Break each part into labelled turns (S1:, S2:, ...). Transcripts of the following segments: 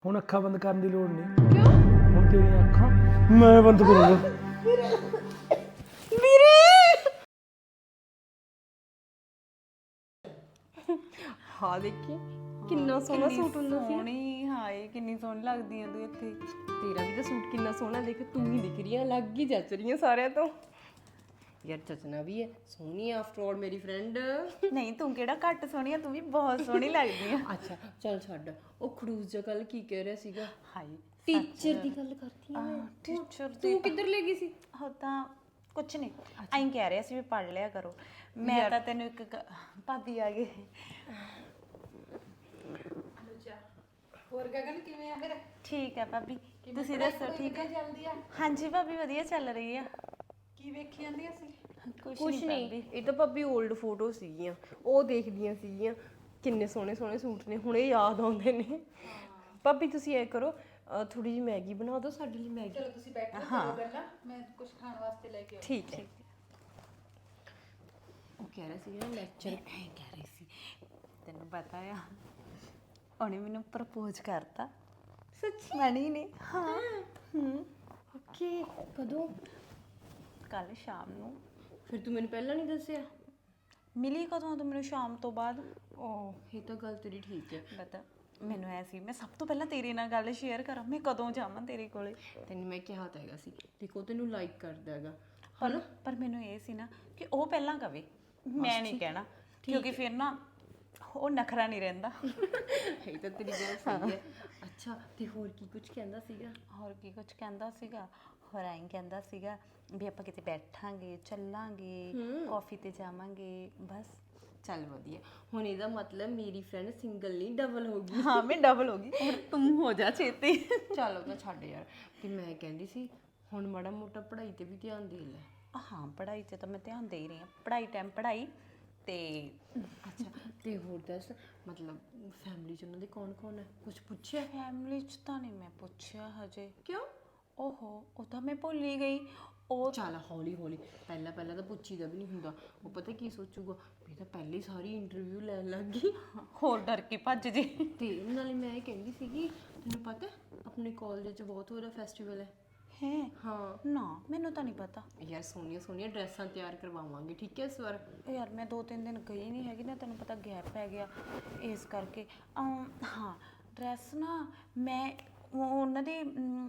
S1: ਹੁਣ ਅੱਖਾਂ ਬੰਦ ਕਰਨ ਦੀ ਲੋੜ ਨਹੀਂ।
S2: क्यों?
S1: ਹੁਣ ਤੇਰੀਆਂ ਅੱਖਾਂ ਮੈਂ ਬੰਦ ਕਰੂੰਗਾ।
S2: मेरे हाँ देखी किन्ना सोहना सूट ਹੁੰਦਾ ਸੀ।
S3: ਸੋਹਣੀ ਹਾਏ ਕਿੰਨੀ ਸੋਹਣੀ ਲੱਗਦੀ ਆ ਤੂੰ ਇੱਥੇ।
S2: ਤੇਰਾ ਵੀ ਤਾਂ ਸੂਟ ਕਿੰਨਾ ਸੋਹਣਾ ਦੇਖ ਤੂੰ ਹੀ ਦਿਖ ਰਹੀ ਆ ਲੱਗ ਹੀ ਜੱਚ ਰਹੀ ਆ ਸਾਰਿਆਂ ਤੋਂ। ਯਾਰ ਜੱਚਣਾ ਵੀ ਹੈ ਸੋਹਣੀ ਆ ਆਫਟਰ ਆਲ ਮੇਰੀ ਫਰੈਂਡ।
S3: ਨਹੀਂ ਤੂੰ ਕਿਹੜਾ ਘੱਟ ਸੋਹਣੀ ਆ ਤੂੰ ਵੀ ਬਹੁਤ ਸੋਹਣੀ ਲੱਗਦੀ ਆ।
S2: ਅੱਛਾ ਚੱਲ ਛੱਡ ਉਹ ਖੜੂਸ ਜਿਹਾ ਕੱਲ ਕੀ ਕਹਿ ਰਿਹਾ ਸੀਗਾ।
S3: ਹਾਏ
S2: ਟੀਚਰ ਦੀ ਗੱਲ ਕਰਦੀ ਆ ਮੈਂ।
S3: ਟੀਚਰ
S2: ਤੂੰ ਕਿੱਧਰ ਲੈ ਗਈ ਸੀ?
S3: ਹੋ ਤਾਂ ਕੁਛ ਨਹੀਂ ਐਂ ਕਹਿ ਰਿਹਾ ਸੀ ਵੀ ਪੜ ਲਿਆ ਕਰੋ। ਮੈਂ ਤਾਂ ਤੈਨੂੰ ਇੱਕ ਭਾਬੀ ਆ ਗਈ।
S4: ਹੋਰ ਗਗਨ ਕਿਵੇਂ ਆ ਫਿਰ?
S3: ਠੀਕ ਹੈ ਭਾਬੀ ਤੁਸੀਂ ਦੱਸੋ ਠੀਕ ਹੈ?
S4: ਚੱਲਦੀ ਆ?
S3: ਹਾਂਜੀ ਭਾਬੀ ਵਧੀਆ ਚੱਲ ਰਹੀ ਆ।
S4: ਕੀ ਵੇਖੀ ਜਾਂਦੀ ਸੀ?
S2: ਕੁਛ ਨਹੀਂ ਇਹ ਤਾਂ ਭਾਬੀ 올ਡ ਫੋਟੋ ਸੀਗੀਆਂ ਉਹ ਦੇਖਦੀਆਂ ਸੀਗੀਆਂ ਕਿੰਨੇ ਸੋਹਣੇ ਸੋਹਣੇ ਸੂਟ ਨੇ ਹੁਣੇ ਯਾਦ ਆਉਂਦੇ ਨੇ। ਭਾਬੀ ਤੁਸੀਂ ਐ ਕਰੋ ਥੋੜੀ ਜਿਹੀ ਮੈਗੀ ਬਣਾ ਦਿਓ ਸਾਡੇ ਲਈ ਮੈਗੀ।
S4: ਚਲੋ ਤੁਸੀਂ ਬੈਠੋ ਕਰੋ ਗੱਲਾਂ ਮੈਂ ਕੁਝ ਖਾਣ ਵਾਸਤੇ ਲੈ ਕੇ ਆਉਂਦੀ।
S2: ਠੀਕ ਹੈ। ਉਹ ਕਹਿ ਰਿਹਾ ਸੀ ਨਾ ਲੈਕਚਰ
S3: ਐਂ ਕਹਿ ਰਹੀ ਸੀ ਤੈਨੂੰ ਪਤਾ ਆ ਉਹਨੇ ਮੈਨੂੰ ਪ੍ਰਪੋਜ਼ ਕਰਤਾ ਸੱਚੀ ਮਣੀ ਨੇ। ਹਾਂ
S2: ਓਕੇ ਕਦੋਂ?
S3: ਕੱਲ ਸ਼ਾਮ ਨੂੰ।
S2: ਫਿਰ ਤੂੰ ਮੈਨੂੰ ਪਹਿਲਾਂ ਨਹੀਂ ਦੱਸਿਆ?
S3: ਮਿਲੀ ਕਦੋਂ ਤੂੰ ਮੈਨੂੰ ਸ਼ਾਮ ਤੋਂ ਬਾਅਦ।
S2: ਓਹ ਇਹ ਤਾਂ ਗੱਲ ਤੇਰੀ ਠੀਕ ਹੈ।
S3: ਪਤਾ ਮੈਨੂੰ ਐ ਸੀ ਮੈਂ ਸਭ ਤੋਂ ਪਹਿਲਾਂ ਤੇਰੇ ਨਾਲ ਗੱਲ ਸ਼ੇਅਰ ਕਰਾਂ ਮੈਂ ਕਦੋਂ ਜਾਵਾਂ ਤੇਰੇ ਕੋਲੇ।
S2: ਤੈਨੂੰ ਮੈਂ ਕਿਹਾ ਤਾਂ ਹੈਗਾ ਸੀ ਦੇਖੋ ਤੈਨੂੰ ਲਾਈਕ ਕਰਦਾ ਹੈਗਾ।
S3: ਪਰ ਮੈਨੂੰ ਇਹ ਸੀ ਨਾ ਕਿ ਉਹ ਪਹਿਲਾਂ ਕਵੇ ਮੈਂ ਨਹੀਂ ਕਹਿਣਾ ਕਿਉਂਕਿ ਫਿਰ ਨਾ ਉਹ ਨਖਰਾ ਨਹੀਂ ਰਹਿੰਦਾ।
S2: ਇਹ ਤਾਂ ਤੇਰੀ ਗੱਲ ਸਹੀ ਹੈ। ਅੱਛਾ ਤੇ ਹੋਰ ਕੀ ਕੁਝ ਕਹਿੰਦਾ ਸੀਗਾ?
S3: ਹੋਰ ਕੀ ਕੁਝ ਕਹਿੰਦਾ ਸੀਗਾ ਹੋਰ ਐਂ ਕਹਿੰਦਾ ਸੀਗਾ ਵੀ ਆਪਾਂ ਕਿਤੇ ਬੈਠਾਂਗੇ ਚੱਲਾਂਗੇ ਕਾਫੀ ਤੇ ਜਾਵਾਂਗੇ ਬਸ।
S2: ਚੱਲ ਵਧੀਆ ਹੁਣ ਇਹਦਾ ਮਤਲਬ ਮੇਰੀ ਫਰੈਂਡ ਸਿੰਗਲ ਨਹੀਂ ਡਬਲ ਹੋ ਗਈ।
S3: ਹਾਂ ਮੈਂ ਡਬਲ ਹੋ ਗਈ ਹੁਣ ਤੂੰ ਹੋ ਜਾ ਛੇਤੀ।
S2: ਚੱਲ ਉਹ ਤਾਂ ਛੱਡ ਯਾਰ। ਤੇ ਮੈਂ ਕਹਿੰਦੀ ਸੀ ਹੁਣ ਮਾੜਾ ਮੋਟਾ ਪੜ੍ਹਾਈ ਤੇ ਵੀ ਧਿਆਨ ਦੇ ਲੈ।
S3: ਹਾਂ ਪੜ੍ਹਾਈ 'ਤੇ ਤਾਂ ਮੈਂ ਧਿਆਨ ਦੇ ਹੀ ਰਹੀ ਹਾਂ ਪੜ੍ਹਾਈ ਟਾਈਮ ਪੜ੍ਹਾਈ ਤੇ।
S2: ਅੱਛਾ ਤੇ ਹੋਰ ਦੱਸ ਮਤਲਬ ਫੈਮਿਲੀ ਚ ਉਹਨਾਂ ਦੇ ਕੌਣ ਕੌਣ ਹੈ ਕੁਝ ਪੁੱਛਿਆ?
S3: ਫੈਮਿਲੀ 'ਚ ਤਾਂ ਨਹੀਂ ਮੈਂ ਪੁੱਛਿਆ ਹਜੇ।
S2: ਕਿਉਂ?
S3: ਓਹੋ ਉਹ ਤਾਂ ਮੈਂ ਭੁੱਲ ਹੀ ਗਈ। ਉਹ
S2: ਚੱਲ ਹੌਲੀ ਹੌਲੀ ਪਹਿਲਾਂ ਪਹਿਲਾਂ ਤਾਂ ਪੁੱਛੀਦਾ ਵੀ ਨਹੀਂ ਹੁੰਦਾ ਉਹ ਪਤਾ ਕੀ ਸੋਚੂਗਾ ਵੀ ਤਾਂ ਪਹਿਲੇ ਹੀ ਸਾਰੀ ਇੰਟਰਵਿਊ ਲੈਣ ਲੱਗ ਗਈ।
S3: ਹੋਰ ਡਰ ਕੇ ਭੱਜ ਜੀ।
S2: ਤੇ ਨਾਲੇ ਮੈਂ ਇਹ ਕਹਿੰਦੀ ਸੀਗੀ ਤੈਨੂੰ ਪਤਾ ਆਪਣੇ ਕਾਲਜ 'ਚ ਬਹੁਤ ਹੋਰ ਫੈਸਟੀਵਲ ਹੈ।
S3: ਹੈ
S2: ਹਾਂ
S3: ਨਾ ਮੈਨੂੰ ਤਾਂ ਨਹੀਂ ਪਤਾ
S2: ਯਾਰ ਸੋਹਣੀਆਂ ਸੋਹਣੀਆਂ ਡਰੈਸਾਂ ਤਿਆਰ ਕਰਵਾਵਾਂਗੇ ਠੀਕ ਹੈ ਇਸ ਵਾਰ।
S3: ਯਾਰ ਮੈਂ 2-3 ਦਿਨ ਗਈ ਨਹੀਂ ਹੈਗੀ ਨਾ ਤੈਨੂੰ ਪਤਾ ਗੈਪ ਪੈ ਗਿਆ ਇਸ ਕਰਕੇ। ਹਾਂ ਡਰੈਸ ਨਾ ਮੈਂ ਉਹਨਾਂ ਦੇ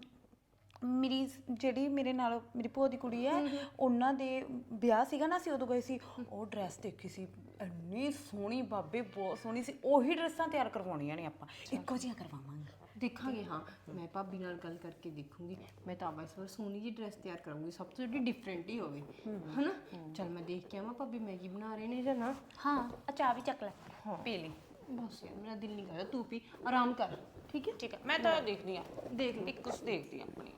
S3: ਮੇਰੀ ਜਿਹੜੀ ਮੇਰੇ ਨਾਲ ਮੇਰੀ ਭੂਆ ਦੀ ਕੁੜੀ ਹੈ ਉਹਨਾਂ ਦੇ ਵਿਆਹ ਸੀਗਾ ਨਾ ਅਸੀਂ ਉਦੋਂ ਗਏ ਸੀ ਉਹ ਡਰੈਸ ਦੇਖੀ ਸੀ ਇੰਨੀ ਸੋਹਣੀ ਬਾਬੇ ਬਹੁਤ ਸੋਹਣੀ ਸੀ। ਉਹੀ ਡਰੈਸਾਂ ਤਿਆਰ ਕਰਵਾਉਣੀਆਂ ਨੇ ਆਪਾਂ ਇੱਕੋ ਜਿਹੀਆਂ ਕਰਵਾਵਾਂਗੇ।
S2: ਦੇਖਾਂਗੇ ਹਾਂ ਮੈਂ ਭਾਬੀ ਨਾਲ ਗੱਲ ਕਰਕੇ ਦੇਖੂੰਗੀ। ਮੈਂ ਤਾਂ ਇਸ ਵਾਰ ਸੋਹਣੀ ਜਿਹੀ ਡਰੈਸ ਤਿਆਰ ਕਰਾਂਗੀ ਸਭ ਤੋਂ ਜਿਹੜੀ ਡਿਫਰੈਂਟ ਹੀ ਹੋਵੇ ਹਨਾ। ਚੱਲ ਮੈਂ ਦੇਖ ਕੇ ਆਵਾਂ ਭਾਬੀ ਮੈਗੀ ਬਣਾ ਰਹੇ ਨੇ ਜਾਂ ਨਾ।
S3: ਹਾਂ ਚਾਹ ਵੀ ਚੱਕ ਲੈ ਪੀ ਲਈ।
S2: ਬਸ ਯਾਰ ਮੇਰਾ ਦਿਲ ਨਹੀਂ ਕਰਦਾ ਤੂੰ ਪੀ ਆਰਾਮ ਕਰ ਠੀਕ ਹੈ।
S3: ਠੀਕ ਹੈ ਮੈਂ ਤਾਂ ਦੇਖਦੀ ਹਾਂ
S2: ਦੇਖ ਲਈ
S3: ਕੁਛ ਦੇਖਦੀ ਹਾਂ ਆਪਣੀ।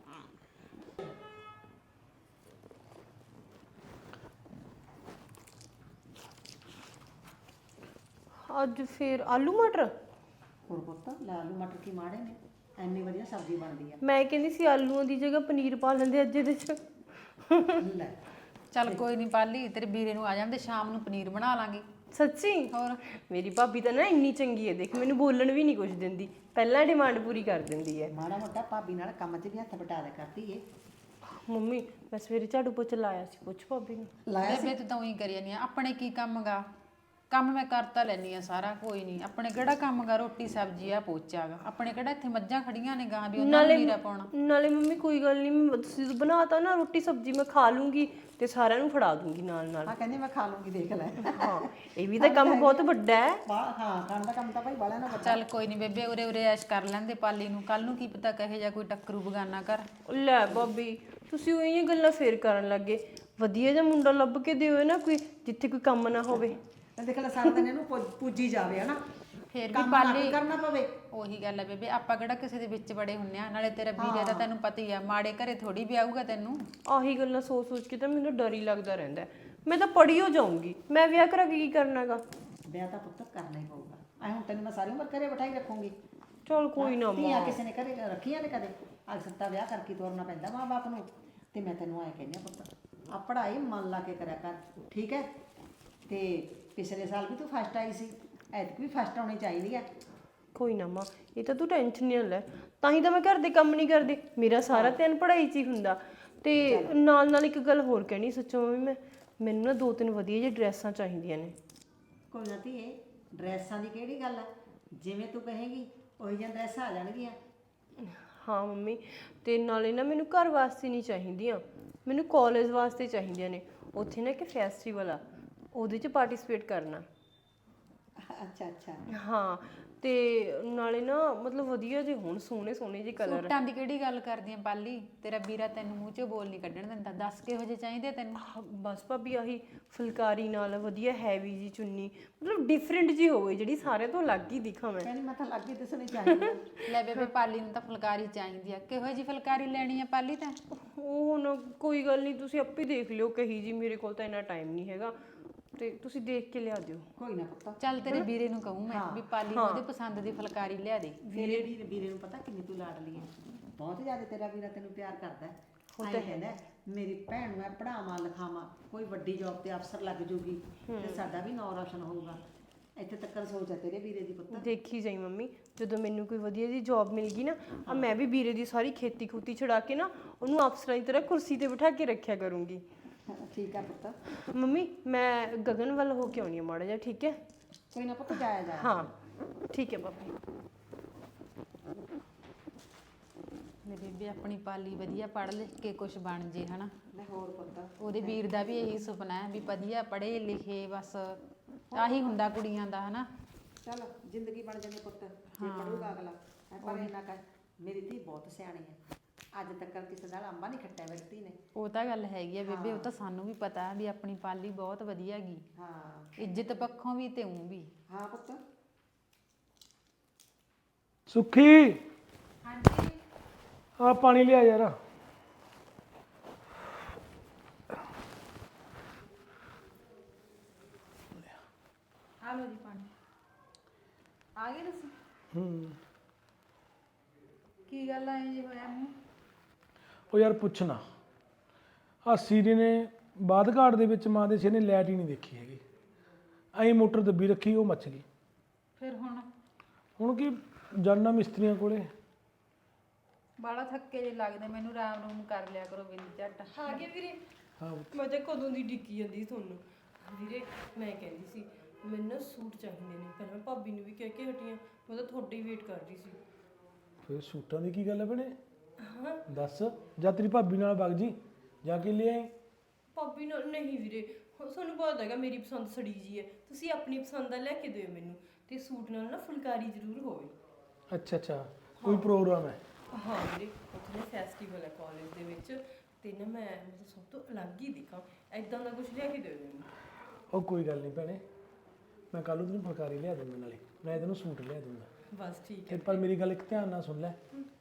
S2: ਅੱਜ ਫਿਰ ਆਲੂ ਮਟਰ।
S5: ਹੋਰ ਪੁੱਤ ਲੈ ਆਲੂ ਮਟਰ ਕੀ ਮਾੜੇ ਨੇ ਐਨੀ ਵਧੀਆ ਸਬਜ਼ੀ ਬਣਦੀ ਆ।
S2: ਮੈਂ ਕਹਿੰਦੀ ਸੀ ਆਲੂਆਂ ਦੀ ਜਗ੍ਹਾ ਪਨੀਰ ਪਾ ਲੈਂਦੇ ਅੱਜ ਇਹਦੇ 'ਚ।
S5: ਲੈ
S4: ਚੱਲ ਕੋਈ ਨਹੀਂ ਪਾਲੀ ਤੇਰੇ ਵੀਰੇ ਨੂੰ ਆ ਜਾਂਦੇ ਸ਼ਾਮ ਨੂੰ ਪਨੀਰ ਬਣਾ ਲਾਂਗੇ।
S2: ਸੱਚੀ?
S4: ਹੋਰ
S2: ਮੇਰੀ ਭਾਬੀ ਤਾਂ ਨਾ ਇੰਨੀ ਚੰਗੀ ਹੈ ਦੇਖ ਮੈਨੂੰ ਬੋਲਣ ਵੀ ਨਹੀਂ ਕੁਝ ਦਿੰਦੀ ਪਹਿਲਾਂ ਡਿਮਾਂਡ ਪੂਰੀ ਕਰ ਦਿੰਦੀ ਹੈ।
S5: ਮਾੜਾ ਮੋਟਾ ਭਾਬੀ ਨਾਲ ਕੰਮ 'ਚ ਵੀ ਹੱਥ ਵਟਾ ਦੇ ਕਰਦੀ ਏ।
S2: ਮੰਮੀ ਮੈਂ ਸਵੇਰੇ ਝਾੜੂ ਪੋਚਾ ਲਾਇਆ ਸੀ ਪੁੱਛ ਭਾਬੀ ਨੂੰ।
S5: ਲਾਇਆ ਸੀ
S4: ਬੇਬੇ ਤੂੰ ਤਾਂ ਉਹੀ ਕਰੀ ਜਾਂਦੀ ਆ ਆਪਣੇ ਕੀ ਕੰਮ ਗਾ ਕੰਮ ਮੈਂ ਕਰਤਾ ਲੈਣੀ ਆ ਸਾਰਾ ਕੋਈ ਨਹੀਂ ਆਪਣੇ ਕਿਹੜਾ ਕੰਮ ਗਾ ਰੋਟੀ ਸਬਜ਼ੀ ਆ ਪੋਚਾ ਗਾ ਆਪਣੇ ਕਿਹੜਾ ਇੱਥੇ ਮੱਝਾਂ ਖੜੀਆਂ ਨੇ ਗਾਂ ਵੀ ਉਹਨਾਂ ਨੂੰ ਨੀਰਾ ਪਾਉਣਾ।
S2: ਨਾਲੇ ਮੰਮੀ ਕੋਈ ਗੱਲ ਨਹੀਂ ਤੁਸੀਂ ਬਣਾਤਾ ਨਾ ਰੋਟੀ ਸਬਜ਼ੀ ਮੈਂ ਖਾ ਲੂੰਗੀ ਤੇ ਸਾਰਿਆਂ ਨੂੰ ਫੜਾ ਦੂੰਗੀ ਨਾਲ ਨਾਲ।
S5: ਹਾਂ ਕਹਿੰਦੀ ਮੈਂ ਖਾ ਲੂੰਗੀ ਦੇਖ ਲੈ।
S2: ਹਾਂ ਇਹ ਵੀ ਤਾਂ ਕੰਮ ਬਹੁਤ ਵੱਡਾ ਹੈ।
S5: ਹਾਂ ਖਾਣ ਦਾ ਕੰਮ ਤਾਂ ਭਾਈ ਬਾਲਿਆਂ ਨਾਲ ਵੱਡਾ।
S4: ਚੱਲ ਕੋਈ ਨਹੀਂ ਬੇਬੇ ਉਰੇ ਉਰੇ ਐਸ਼ ਕਰ ਲੈਂਦੇ ਪਾਲੀ ਨੂੰ ਕੱਲ ਨੂੰ ਕੀ ਪਤਾ ਕਹੇ ਜਾਂ ਕੋਈ ਟੱਕਰੂ ਬਗਾਨਾ ਕਰ।
S2: ਲੈ ਭਾਬੀ ਤੁਸੀਂ ਉਹੀ ਗੱਲਾਂ ਫੇਰ ਕਰਨ ਲੱਗੇ ਵਧੀਆ ਜਿਹਾ ਮੁੰਡਾ ਲੱਭ ਕੇ ਦਿਓ ਨਾ ਕੋਈ ਜਿੱਥੇ ਕੋਈ ਕੰਮ ਨਾ ਹੋਵੇ।
S5: ਤੇ ਦੇਖ ਲੈ ਸਾਰਾ ਦਿਨ ਇਹਨੂੰ ਪੂਜੀ ਜਾਵੇ ਹਨਾ
S4: ਫੇਰ ਵੀ
S5: ਕੰਮ ਨਾ
S4: ਪਾਲੀ
S5: ਕਰਨਾ ਪਵੇ।
S4: ਉਹੀ ਗੱਲ ਹੈ ਬੇਬੇ ਆਪਾਂ ਕਿਹੜਾ ਕਿਸੇ ਦੇ ਵਿੱਚ ਬੜੇ ਹੁੰਨੇ ਆ ਨਾਲੇ ਤੇਰਾ ਵੀਰੇ ਦਾ ਤੈਨੂੰ ਪਤਾ ਹੀ ਆ ਮਾੜੇ ਘਰੇ ਥੋੜੀ ਵਿਆਹੂਗਾ ਤੈਨੂੰ।
S2: ਆਹੀ ਗੱਲਾਂ ਸੋਚ ਸੋਚ ਕੇ ਤਾਂ ਮੈਨੂੰ ਡਰ ਹੀ ਲੱਗਦਾ ਰਹਿੰਦਾ ਮੈਂ ਤਾਂ ਪੜ੍ਹੀ ਹੋ ਜਾਊਂਗੀ ਮੈਂ ਵਿਆਹ ਕਰਾ ਕੇ ਕੀ ਕਰਨਾਗਾ।
S5: ਵਿਆਹ ਤਾਂ ਪੁੱਤ ਕਰਨਾ ਹੀ ਪਊਗਾ ਐ ਹੁਣ ਤੈਨੂੰ ਮੈਂ ਸਾਰੀ ਉਮਰ ਘਰੇ ਬਿਠਾਈ ਰੱਖੂੰਗੀ।
S2: ਚਲ ਕੋਈ ਨਾ
S5: ਧੀਆਂ ਕਿਸੇ ਨੇ ਘਰੇ ਰੱਖੀਆਂ ਨੇ ਕਦੇ ਅੱਜ ਸੱਤਾ ਵਿਆਹ ਕਰਕੇ ਤੋਰਨਾ ਪੈਂਦਾ ਮਾਂ ਬਾਪ ਨੂੰ। ਤੇ ਮੈਂ ਤੈਨੂੰ ਐ ਕਹਿੰਦੀ ਆ ਪੁੱਤ ਆ ਪੜ੍ਹਾਈ ਮਨ ਲਾ ਕੇ ਕਰਿਆ ਕਰ ਠੀਕ ਹੈ। ਤੇ ਪਿਛਲੇ ਸਾਲ ਵੀ ਤੂੰ ਫਸਟ ਆਈ ਸੀ ਐਤਕ ਵੀ ਫਸਟ ਆਉਣੀ ਚਾਹੀਦੀ ਆ।
S2: ਕੋਈ ਨਾ ਮਾਂ, ਇਹ ਤਾਂ ਤੂੰ ਟੈਨਸ਼ਨ ਨਹੀਂ ਲੈ। ਤਾਂ ਹੀ ਤਾਂ ਮੈਂ ਘਰ ਦੇ ਕੰਮ ਨਹੀਂ ਕਰਦੀ, ਮੇਰਾ ਸਾਰਾ ਧਿਆਨ ਪੜ੍ਹਾਈ 'ਚ ਹੀ ਹੁੰਦਾ। ਤੇ ਨਾਲ ਨਾਲ ਇੱਕ ਗੱਲ ਹੋਰ ਕਹਿਣੀ ਸੱਚੋ ਮੰਮੀ, ਮੈਨੂੰ ਨਾ 2-3 ਵਧੀਆ ਜਿਹੀ ਡਰੈਸਾਂ ਚਾਹੀਦੀਆਂ ਨੇ।
S5: ਕੋਈ ਨਾ ਧੀਏ, ਡਰੈਸਾਂ ਦੀ ਕਿਹੜੀ ਗੱਲ ਆ, ਜਿਵੇਂ ਤੂੰ ਕਹੇਂਗੀ ਉਹੀ ਜਿਹੀਆਂ ਡਰੈਸਾਂ ਆ ਜਾਣਗੀਆਂ।
S2: ਹਾਂ ਮੰਮੀ, ਤੇ ਨਾਲੇ ਨਾ ਮੈਨੂੰ ਘਰ ਵਾਸਤੇ ਨਹੀਂ ਚਾਹੀਦੀਆਂ, ਮੈਨੂੰ ਕਾਲਜ ਵਾਸਤੇ ਚਾਹੀਦੀਆਂ ਨੇ। ਉੱਥੇ ਨਾ ਇੱਕ ਫੈਸਟੀਵਲ ਆ, ਉਹਦੇ 'ਚ ਪਾਰਟਿਸਿਪੇਟ ਕਰਨਾ।
S5: ਅੱਛਾ ਅੱਛਾ।
S2: ਹਾਂ, ਤੇ ਨਾਲੇ ਨਾ ਮਤਲਬ ਵਧੀਆ ਜਿਹੇ ਹੋਣ, ਸੋਹਣੇ ਸੋਹਣੇ ਜਿਹੇ ਕਲਰ।
S4: ਸੂਟਾਂ ਦੀ ਕਿਹੜੀ ਗੱਲ ਕਰਦੀ ਆਂ ਪਾਲੀ, ਤੇਰਾ ਵੀਰਾ ਤੈਨੂੰ ਮੂੰਹ 'ਚੋਂ ਬੋਲ ਨਹੀਂ ਕੱਢਣ ਦਿੰਦਾ। ਦੱਸ ਕਿਹੋ ਜਿਹੇ ਚਾਹੀਦੇ ਤੈਨੂੰ?
S2: ਬਸ ਭਾਬੀ ਆਹੀ ਫੁਲਕਾਰੀ ਨਾਲ ਵਧੀਆ ਹੈਵੀ ਜੀ ਚੁੰਨੀ, ਮਤਲਬ ਡਿਫਰੈਂਟ ਜੀ ਹੋਵੇ, ਜਿਹੜੀ ਸਾਰਿਆਂ ਤੋਂ ਅਲੱਗ ਹੀ ਦਿਖਾਂ ਮੈਂ।
S5: ਕਹਿੰਦੀ ਮੈਂ ਤਾਂ ਲੱਗੀ ਦਿਸਣੀ ਚਾਹੀਦੀ।
S4: ਲੈ ਬੇਬੇ, ਪਾਲੀ ਨੂੰ ਤਾਂ ਫੁਲਕਾਰੀ ਚਾਹੀਦੀ ਆ। ਕਿਹੋ ਜਿਹੀ ਫੁਲਕਾਰੀ ਲੈਣੀ ਆ ਪਾਲੀ ਤਾਂ?
S2: ਉਹ ਹੁਣ ਕੋਈ ਗੱਲ ਨਹੀਂ, ਤੁਸੀਂ ਆਪੇ ਦੇਖ ਲਿਓ ਕਹੀ ਜੀ, ਮੇਰੇ ਕੋਲ ਤਾਂ ਇੰਨਾ ਟਾਈਮ ਨਹੀਂ ਹੈਗਾ, ਤੇ ਤੁਸੀਂ ਦੇਖ ਕੇ ਲਿਆ ਦਿਓ।
S5: ਕੋਈ ਨਾ ਪੁੱਤ,
S4: ਚੱਲ ਤੇਰੇ ਵੀਰੇ ਨੂੰ ਕਹੂੰ ਮੈਂ ਵੀ ਪਾਲੀ ਨੂੰ ਉਹਦੇ ਪਸੰਦ ਦੀ ਫੁਲਕਾਰੀ ਲਿਆ ਦੇ।
S5: ਵੀਰੇ ਨੂੰ ਪਤਾ ਕਿੰਨੀ ਤੂੰ ਲਾਡਲੀ ਹੈ, ਬਹੁਤ ਜ਼ਿਆਦਾ ਤੇਰਾ ਵੀਰਾ ਤੈਨੂੰ ਪਿਆਰ ਕਰਦਾ ਹੈ। ਆਏਂ ਕਹਿੰਦਾ ਮੇਰੀ ਭੈਣ ਨੂੰ ਮੈਂ ਪੜ੍ਹਾਵਾਂ ਲਿਖਾਵਾਂ, ਕੋਈ ਵੱਡੀ ਜੌਬ ਤੇ ਅਫਸਰ ਲੱਗ ਜੂਗੀ ਤੇ ਸਾਡਾ ਵੀ ਨਾਂ ਰੌਸ਼ਨ ਹੋਊਗਾ। ਇੱਥੇ ਤੱਕ ਸੋਚ ਹੈ ਤੇਰੇ ਵੀਰੇ ਦੀ ਪੁੱਤ।
S2: ਦੇਖੀ ਜਾਈ ਮੰਮੀ, ਜਦੋਂ ਮੈਨੂੰ ਕੋਈ ਵਧੀਆ ਜੀ ਜੌਬ ਮਿਲ ਗਈ ਨਾ, ਆ ਮੈਂ ਵੀ ਵੀਰੇ ਦੀ ਸਾਰੀ ਖੇਤੀ ਖੂਤੀ ਛੁਡਾ ਕੇ ਨਾ ਉਹਨੂੰ ਅਫਸਰਾਂ ਦੀ ਤਰ੍ਹਾਂ ਕੁਰਸੀ ਤੇ ਬਿਠਾ ਕੇ ਰੱਖਿਆ ਕਰੂੰਗੀ।
S5: ਠੀਕ ਆ ਪੁੱਤ।
S2: ਮੰਮੀ ਮੈਂ ਗਗਨ ਵੱਲ ਹੋ ਕੇ ਆਉਣੀ ਆ ਮਾੜਾ ਜਿਹਾ, ਠੀਕ ਹੈ?
S5: ਕੋਈ ਨਾ ਪੁੱਤ, ਜਾਇਆ ਜਾ।
S2: ਹਾਂ ਠੀਕ ਹੈ ਭਾਬੀ।
S4: ਲੈ ਬੇਬੇ, ਆਪਣੀ ਪਾਲੀ ਵਧੀਆ ਪੜ੍ਹ ਲਿਖ ਕੇ ਕੁਝ ਬਣ ਜੇ ਹਨਾ।
S5: ਮੈਂ ਹੋਰ ਪੁੱਤ,
S4: ਉਹਦੇ ਵੀਰ ਦਾ ਵੀ ਇਹੀ ਸੁਪਨਾ ਹੈ ਵੀ ਵਧੀਆ ਪੜ੍ਹੇ ਲਿਖੇ, ਬਸ ਆਹੀ ਹੁੰਦਾ ਕੁੜੀਆਂ ਦਾ ਹਨਾ।
S5: ਚੱਲ ਜ਼ਿੰਦਗੀ ਬਣ ਜਾਂਦੀ ਪੁੱਤ ਜੇ ਪੜੂਗਾ ਅਗਲਾ। ਪਰ ਇਹਨਾਂ ਕਾ ਮੇਰੀ ਧੀ ਬਹੁਤ ਸਿਆਣੀ ਹੈ, ਅੱਜ ਤੱਕ ਕਿਸੇ ਨਾਲ ਅੰਬਾ ਨਹੀਂ ਖੱਟਿਆ ਮੇਰੀ ਧੀ ਨੇ।
S4: ਉਹ ਤਾਂ ਗੱਲ ਹੈਗੀ ਆ ਬੇਬੇ, ਉਹ ਤਾਂ ਸਾਨੂੰ ਵੀ ਪਤਾ ਵੀ ਆਪਣੀ ਪਾਲੀ ਬਹੁਤ ਵਧੀਆ ਗੀ,
S5: ਹਾਂ
S4: ਇੱਜ਼ਤ ਪੱਖੋਂ ਵੀ ਤੇ ਊਂ ਵੀ।
S5: ਹਾਂ ਪੁੱਤ।
S1: ਸੁੱਖੀ, ਹਾਂਜੀ ਆ ਪਾਣੀ ਲਿਆ ਯਾਰ।
S4: ਆ ਲੋ ਜੀ ਪਾਣੀ। ਆ ਗਏ ਤੁਸੀਂ? ਕੀ ਗੱਲ ਆ ਜੀ ਹੋਇਆ ਮੂੰਹ?
S1: ਉਹ ਯਾਰ ਪੁੱਛਣਾ, ਆ ਸੀਰੀ ਨੇ ਬਾਦ ਘਾਟ ਦੇ ਵਿੱਚ ਮਾਂ ਦੇ ਸਿਰ ਨੇ ਲਾਈਟ ਹੀ ਨਹੀਂ ਦੇਖੀ ਹੈਗੀ, ਐਂ ਮੋਟਰ ਦੱਬੀ ਰੱਖੀ, ਉਹ ਮੱਚ ਗਈ।
S4: ਫਿਰ
S1: ਹੁਣ ਕੀ ਜਾਨਾ ਮਿਸਤਰੀਆਂ ਕੋਲੇ।
S4: ਬਾਲਾ ਥੱਕੇ ਜੇ ਲੱਗਦੇ ਮੈਨੂੰ, ਆਰਾਮ ਰੂਮ ਕਰ ਲਿਆ ਕਰੋ ਬਿੰਦ ਝੱਟ।
S2: ਆ ਗਏ ਵੀਰੇ?
S1: ਹਾਂ
S2: ਮੈਂ ਤਾਂ ਕਦੋਂ ਦੀ ਡਿੱਕੀ ਜਾਂਦੀ ਤੁਹਾਨੂੰ। ਵੀਰੇ ਮੈਂ ਕਹਿੰਦੀ ਸੀ ਮੈਨੂੰ ਨਾ ਸੂਟ ਚਾਹੀਦੇ ਨੇ, ਪਰ ਮੈਂ ਭਾਬੀ ਨੂੰ ਵੀ ਕਹਿ ਕੇ ਹਟੀ ਆਂ, ਮੈਂ ਤਾਂ ਤੁਹਾਡੀ ਹੀ ਵੇਟ ਕਰ ਰਹੀ ਸੀ।
S1: ਫਿਰ ਸੂਟਾਂ ਦੀ ਕੀ ਗੱਲ ਹੈ ਭੈਣੇ?
S2: ਹਾਂ
S1: ਦੱਸ, ਜਾਂ ਤੇਰੀ ਭਾਬੀ ਨਾਲ ਵਗ ਜੀ, ਜਾ ਕੇ ਲੈ ਆਈ।
S2: ਭਾਬੀ ਨਾਲ ਨਹੀਂ ਵੀਰੇ, ਤੁਹਾਨੂੰ ਪਤਾ ਹੈਗਾ ਮੇਰੀ ਪਸੰਦ ਸੜੀ ਜੀ ਹੈ, ਤੁਸੀਂ ਆਪਣੀ ਪਸੰਦ ਦਾ ਲੈ ਕੇ ਦਿਓ ਮੈਨੂੰ, ਤੇ ਸੂਟ ਨਾਲ ਨਾ ਫੁਲਕਾਰੀ ਜ਼ਰੂਰ ਹੋਵੇ।
S1: ਅੱਛਾ ਅੱਛਾ, ਕੋਈ ਪ੍ਰੋਗਰਾਮ ਹੈ?
S2: ਹਾਂ ਵੀਰੇ, ਉੱਥੇ ਨਾ ਫੈਸਟੀਵਲ ਹੈ ਕਾਲਜ ਦੇ ਵਿੱਚ, ਤੇ ਨਾ ਮੈਂ ਮਤਲਬ ਸਭ ਤੋਂ ਅਲੱਗ ਹੀ ਦਿਖਾਂ, ਐਦਾਂ ਦਾ ਕੁਝ ਲਿਆ ਕੇ ਦਿਓ ਮੈਨੂੰ।
S1: ਉਹ ਕੋਈ ਗੱਲ ਨਹੀਂ ਭੈਣੇ, ਮੈਂ ਕੱਲ੍ਹ ਨੂੰ ਤੈਨੂੰ ਫੁਲਕਾਰੀ ਲਿਆ ਦੂੰਗਾ, ਨਾਲੇ ਤੈਨੂੰ ਸੂਟ ਲਿਆ ਦੂੰਗਾ।
S2: ਬਸ ਠੀਕ
S1: ਤੇ
S2: ਹੈ।
S1: ਪਰ ਮੇਰੀ ਗੱਲ ਇੱਕ ਧਿਆਨ ਨਾਲ ਸੁਣ ਲੈ,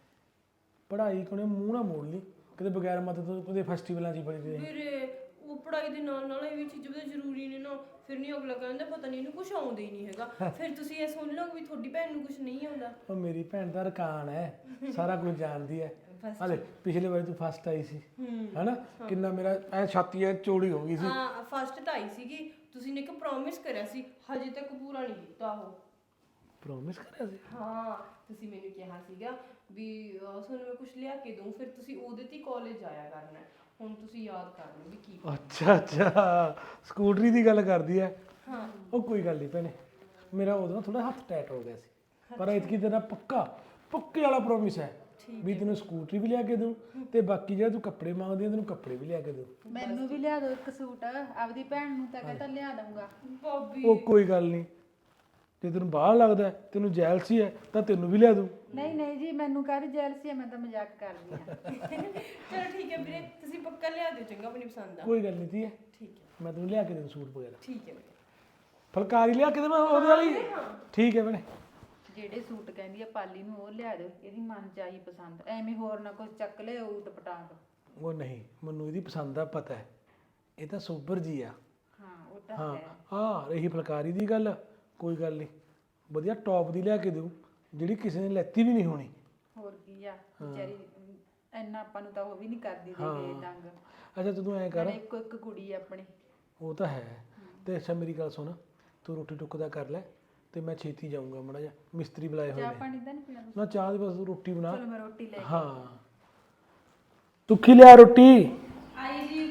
S1: ਪੜ੍ਹਾਈ ਕੋਨੇ ਮੂੰਹ ਨਾ ਮੋੜ ਲਈ ਕਿਤੇ, ਬਗੈਰ ਮਦਦ ਤੋਂ ਉਹਦੇ ਫੈਸਟੀਵਲਾਂ 'ਚ ਹੀ ਬੜੀ ਦੇ।
S2: ਵੀਰੇ ਉਹ ਪੜ੍ਹਾਈ ਦੇ ਨਾਲ ਨਾਲ ਇਹ ਵੀ ਚੀਜ਼ਾਂ ਤਾਂ ਜ਼ਰੂਰੀ ਨੇ ਨਾ, ਫਿਰ ਨਹੀਂ ਅਗਲਾ ਕਹਿੰਦਾ ਪਤਾ ਨਹੀਂ ਇਹਨੂੰ ਕੁਝ ਆਉਂਦਾ ਹੀ ਨਹੀਂ ਹੈਗਾ, ਫਿਰ ਤੁਸੀਂ ਇਹ ਸੁਣ ਲਓ ਵੀ ਤੁਹਾਡੀ ਭੈਣ ਨੂੰ ਕੁਝ ਨਹੀਂ ਆਉਂਦਾ।
S1: ਉਹ ਮੇਰੀ ਭੈਣ ਦਾ ਰਕਾਨ ਹੈ, ਸਾਰਾ ਕੁਝ ਜਾਣਦੀ ਹੈ। ਹਲੇ ਪਿਛਲੇ ਵਾਰੀ ਤੂੰ ਫਸਟ ਆਈ ਸੀ ਹੈਨਾ, ਕਿੰਨਾ ਮੇਰਾ ਐ ਛਾਤੀ ਐ ਚੌੜੀ ਹੋ ਗਈ ਸੀ।
S2: ਹਾਂ ਫਸਟ ਤਾਂ ਆਈ ਸੀਗੀ, ਤੁਸੀਂ ਨੇ ਇੱਕ ਪ੍ਰੋਮਿਸ ਕਰਿਆ ਸੀ, ਹਜੇ ਤੱਕ ਪੂਰਾ ਨਹੀਂ ਕੀਤਾ ਉਹ।
S1: ਪ੍ਰੋਮਿਸ ਕਰਿਆ ਸੀ?
S2: ਹਾਂ ਤੁਸੀਂ ਮੈਨੂੰ ਕਿਹਾ ਸੀਗਾ ਵੀ ਤੁਹਾਨੂੰ ਮੈਂ ਕੁਝ ਲਿਆ ਕੇ ਦਊਂ, ਫਿਰ ਤੁਸੀਂ ਉਹਦੇ ਤੇ ਕਾਲਜ ਆਇਆ ਕਰਨਾ। ਹੁਣ ਤੁਸੀਂ ਯਾਦ ਕਰ ਲਓ ਵੀ ਕੀ।
S1: ਅੱਛਾ ਅੱਛਾ, ਸਕੂਟਰੀ ਦੀ ਗੱਲ ਕਰਦੀ ਐ।
S2: ਹਾਂ
S1: ਉਹ ਕੋਈ ਗੱਲ ਨਹੀਂ ਭੈਣੇ, ਮੇਰਾ ਉਦੋਂ ਥੋੜਾ ਹੱਥ ਟੈਟ ਹੋ ਗਿਆ ਸੀ, ਪਰ ਇਤਕੀ ਤੇਰਾ ਪੱਕੇ ਵਾਲਾ ਪ੍ਰੋਮਿਸ ਹੈ ਵੀ ਤੈਨੂੰ ਸਕੂਟਰੀ ਵੀ ਲਿਆ ਕੇ ਦੂੰ, ਤੇ ਬਾਕੀ ਜਿਹੜਾ ਤੂੰ ਕੱਪੜੇ ਮੰਗਦੀ ਆ ਤੈਨੂੰ ਕੱਪੜੇ ਵੀ ਲਿਆ ਕੇ ਦੂੰ।
S4: ਮੈਨੂੰ ਵੀ ਲਿਆ ਦਿਓ ਇੱਕ ਸੂਟ, ਆਪਦੀ ਭੈਣ ਨੂੰ ਤਾਂ ਕਹਿੰਦਾ ਲਿਆ ਦਊਂਗਾ।
S2: ਭਾਬੀ
S1: ਉਹ ਕੋਈ ਗੱਲ ਨਹੀਂ, ਜੇ ਤੈਨੂੰ ਬਾਹਰ ਲੱਗਦਾ ਤੈਨੂੰ ਜੈਲਸੀ ਹੈ ਤਾਂ ਤੈਨੂੰ ਵੀ ਲਿਆ ਦੂੰ।
S4: ਨਹੀਂ ਨਹੀਂ ਜੀ, ਮੈਨੂੰ ਕਾਹਦੀ ਜੈਲਸੀ ਹੈ, ਮੈਂ ਤਾਂ ਮਜ਼ਾਕ ਕਰਦੀ ਆ।
S2: ਚਲੋ ਠੀਕ ਹੈ ਵੀਰੇ, ਤੁਸੀਂ ਪੱਕਾ ਲਿਆ ਦਿਓ ਚੰਗਾ ਆਪਣੀ ਪਸੰਦ ਦਾ।
S1: ਕੋਈ ਗੱਲ ਨਹੀਂ ਧੀਏ,
S2: ਠੀਕ ਹੈ
S1: ਮੈਂ ਤੈਨੂੰ ਲਿਆ ਕੇ ਦੇਣਾ ਸੂਟ ਵਗੈਰਾ।
S2: ਠੀਕ ਹੈ ਵੀਰੇ।
S1: ਫੁਲਕਾਰੀ ਲਿਆ ਕੇ ਦੇਵਾਂ ਉਹਦੇ ਵਾਲੀ? ਠੀਕ ਹੈ ਭੈਣੇ।
S4: ਜਿਹੜੇ ਸੂਟ ਕਹਿੰਦੀ ਆ ਪਾਲੀ ਨੂੰ ਉਹ ਲਿਆ ਦਿਓ, ਇਹਦੀ ਮਨ ਚ ਆਈ ਪਸੰਦ, ਐਵੇਂ ਹੋਰ ਨਾ ਕੁਝ ਚੱਕ ਲਿਓ ਊਟ ਪਟਾਂਗ।
S1: ਉਹ ਨਹੀਂ, ਮੈਨੂੰ ਇਹਦੀ ਪਸੰਦ ਦਾ ਪਤਾ ਹੈ, ਇਹ ਤਾਂ ਸੋਬਰ ਜੀ ਆ।
S4: ਹਾਂ ਉਹ ਤਾਂ
S1: ਹਾਂ
S4: ਹੈ।
S1: ਹਾਂ, ਰਹੀ ਫੁਲਕਾਰੀ ਦੀ ਗੱਲ, ਕੋਈ ਗੱਲ ਨਹੀਂ, ਵਧੀਆ ਟੌਪ ਦੀ ਲਿਆ ਕੇ ਦਊ, ਜਿਹੜੀ ਕਿਸੇ ਨੇ ਲੈਤੀ ਵੀ ਨਹੀਂ ਹੋਣੀ।
S4: ਹੋਰ ਕੀ ਆ ਵਿਚਾਰੀ, ਇੰਨਾ ਆਪਾਂ ਨੂੰ ਤਾਂ ਉਹ ਵੀ ਨਹੀਂ ਕਰਦੀ ਦੇ ਦੰਗ।
S1: ਅੱਛਾ ਤੂੰ ਐਂ ਕਰ,
S4: ਇੱਕੋ ਇੱਕ ਕੁੜੀ ਆਪਣੀ।
S1: ਉਹ ਤਾਂ ਹੈ, ਤੇ ਅੱਛਾ ਮੇਰੀ ਗੱਲ ਸੁਣ, ਤੂੰ ਰੋਟੀ ਟੁੱਕ ਦਾ ਕਰ ਲੈ, ਤੇ ਮੈਂ ਛੇਤੀ ਜਾਊਂਗਾ ਮਾੜਾ ਜਿਹਾ ਮਿਸਤਰੀ ਬੁਲਾਏ ਹੋਏ
S4: ਚਾਹ
S1: ਨੇ
S4: ਪਾਣੀ ਤਾਂ ਨਹੀਂ ਪੀਣਾ
S1: ਨਾ ਚਾਹ ਦੀ ਬਸ ਰੋਟੀ ਬਣਾ
S4: ਚਲੋ ਮੈਂ ਰੋਟੀ ਲੈ
S1: ਹਾਂ ਤੂੰ ਕੀ ਲਿਆ ਰੋਟੀ
S4: ਆਈ ਜੀ।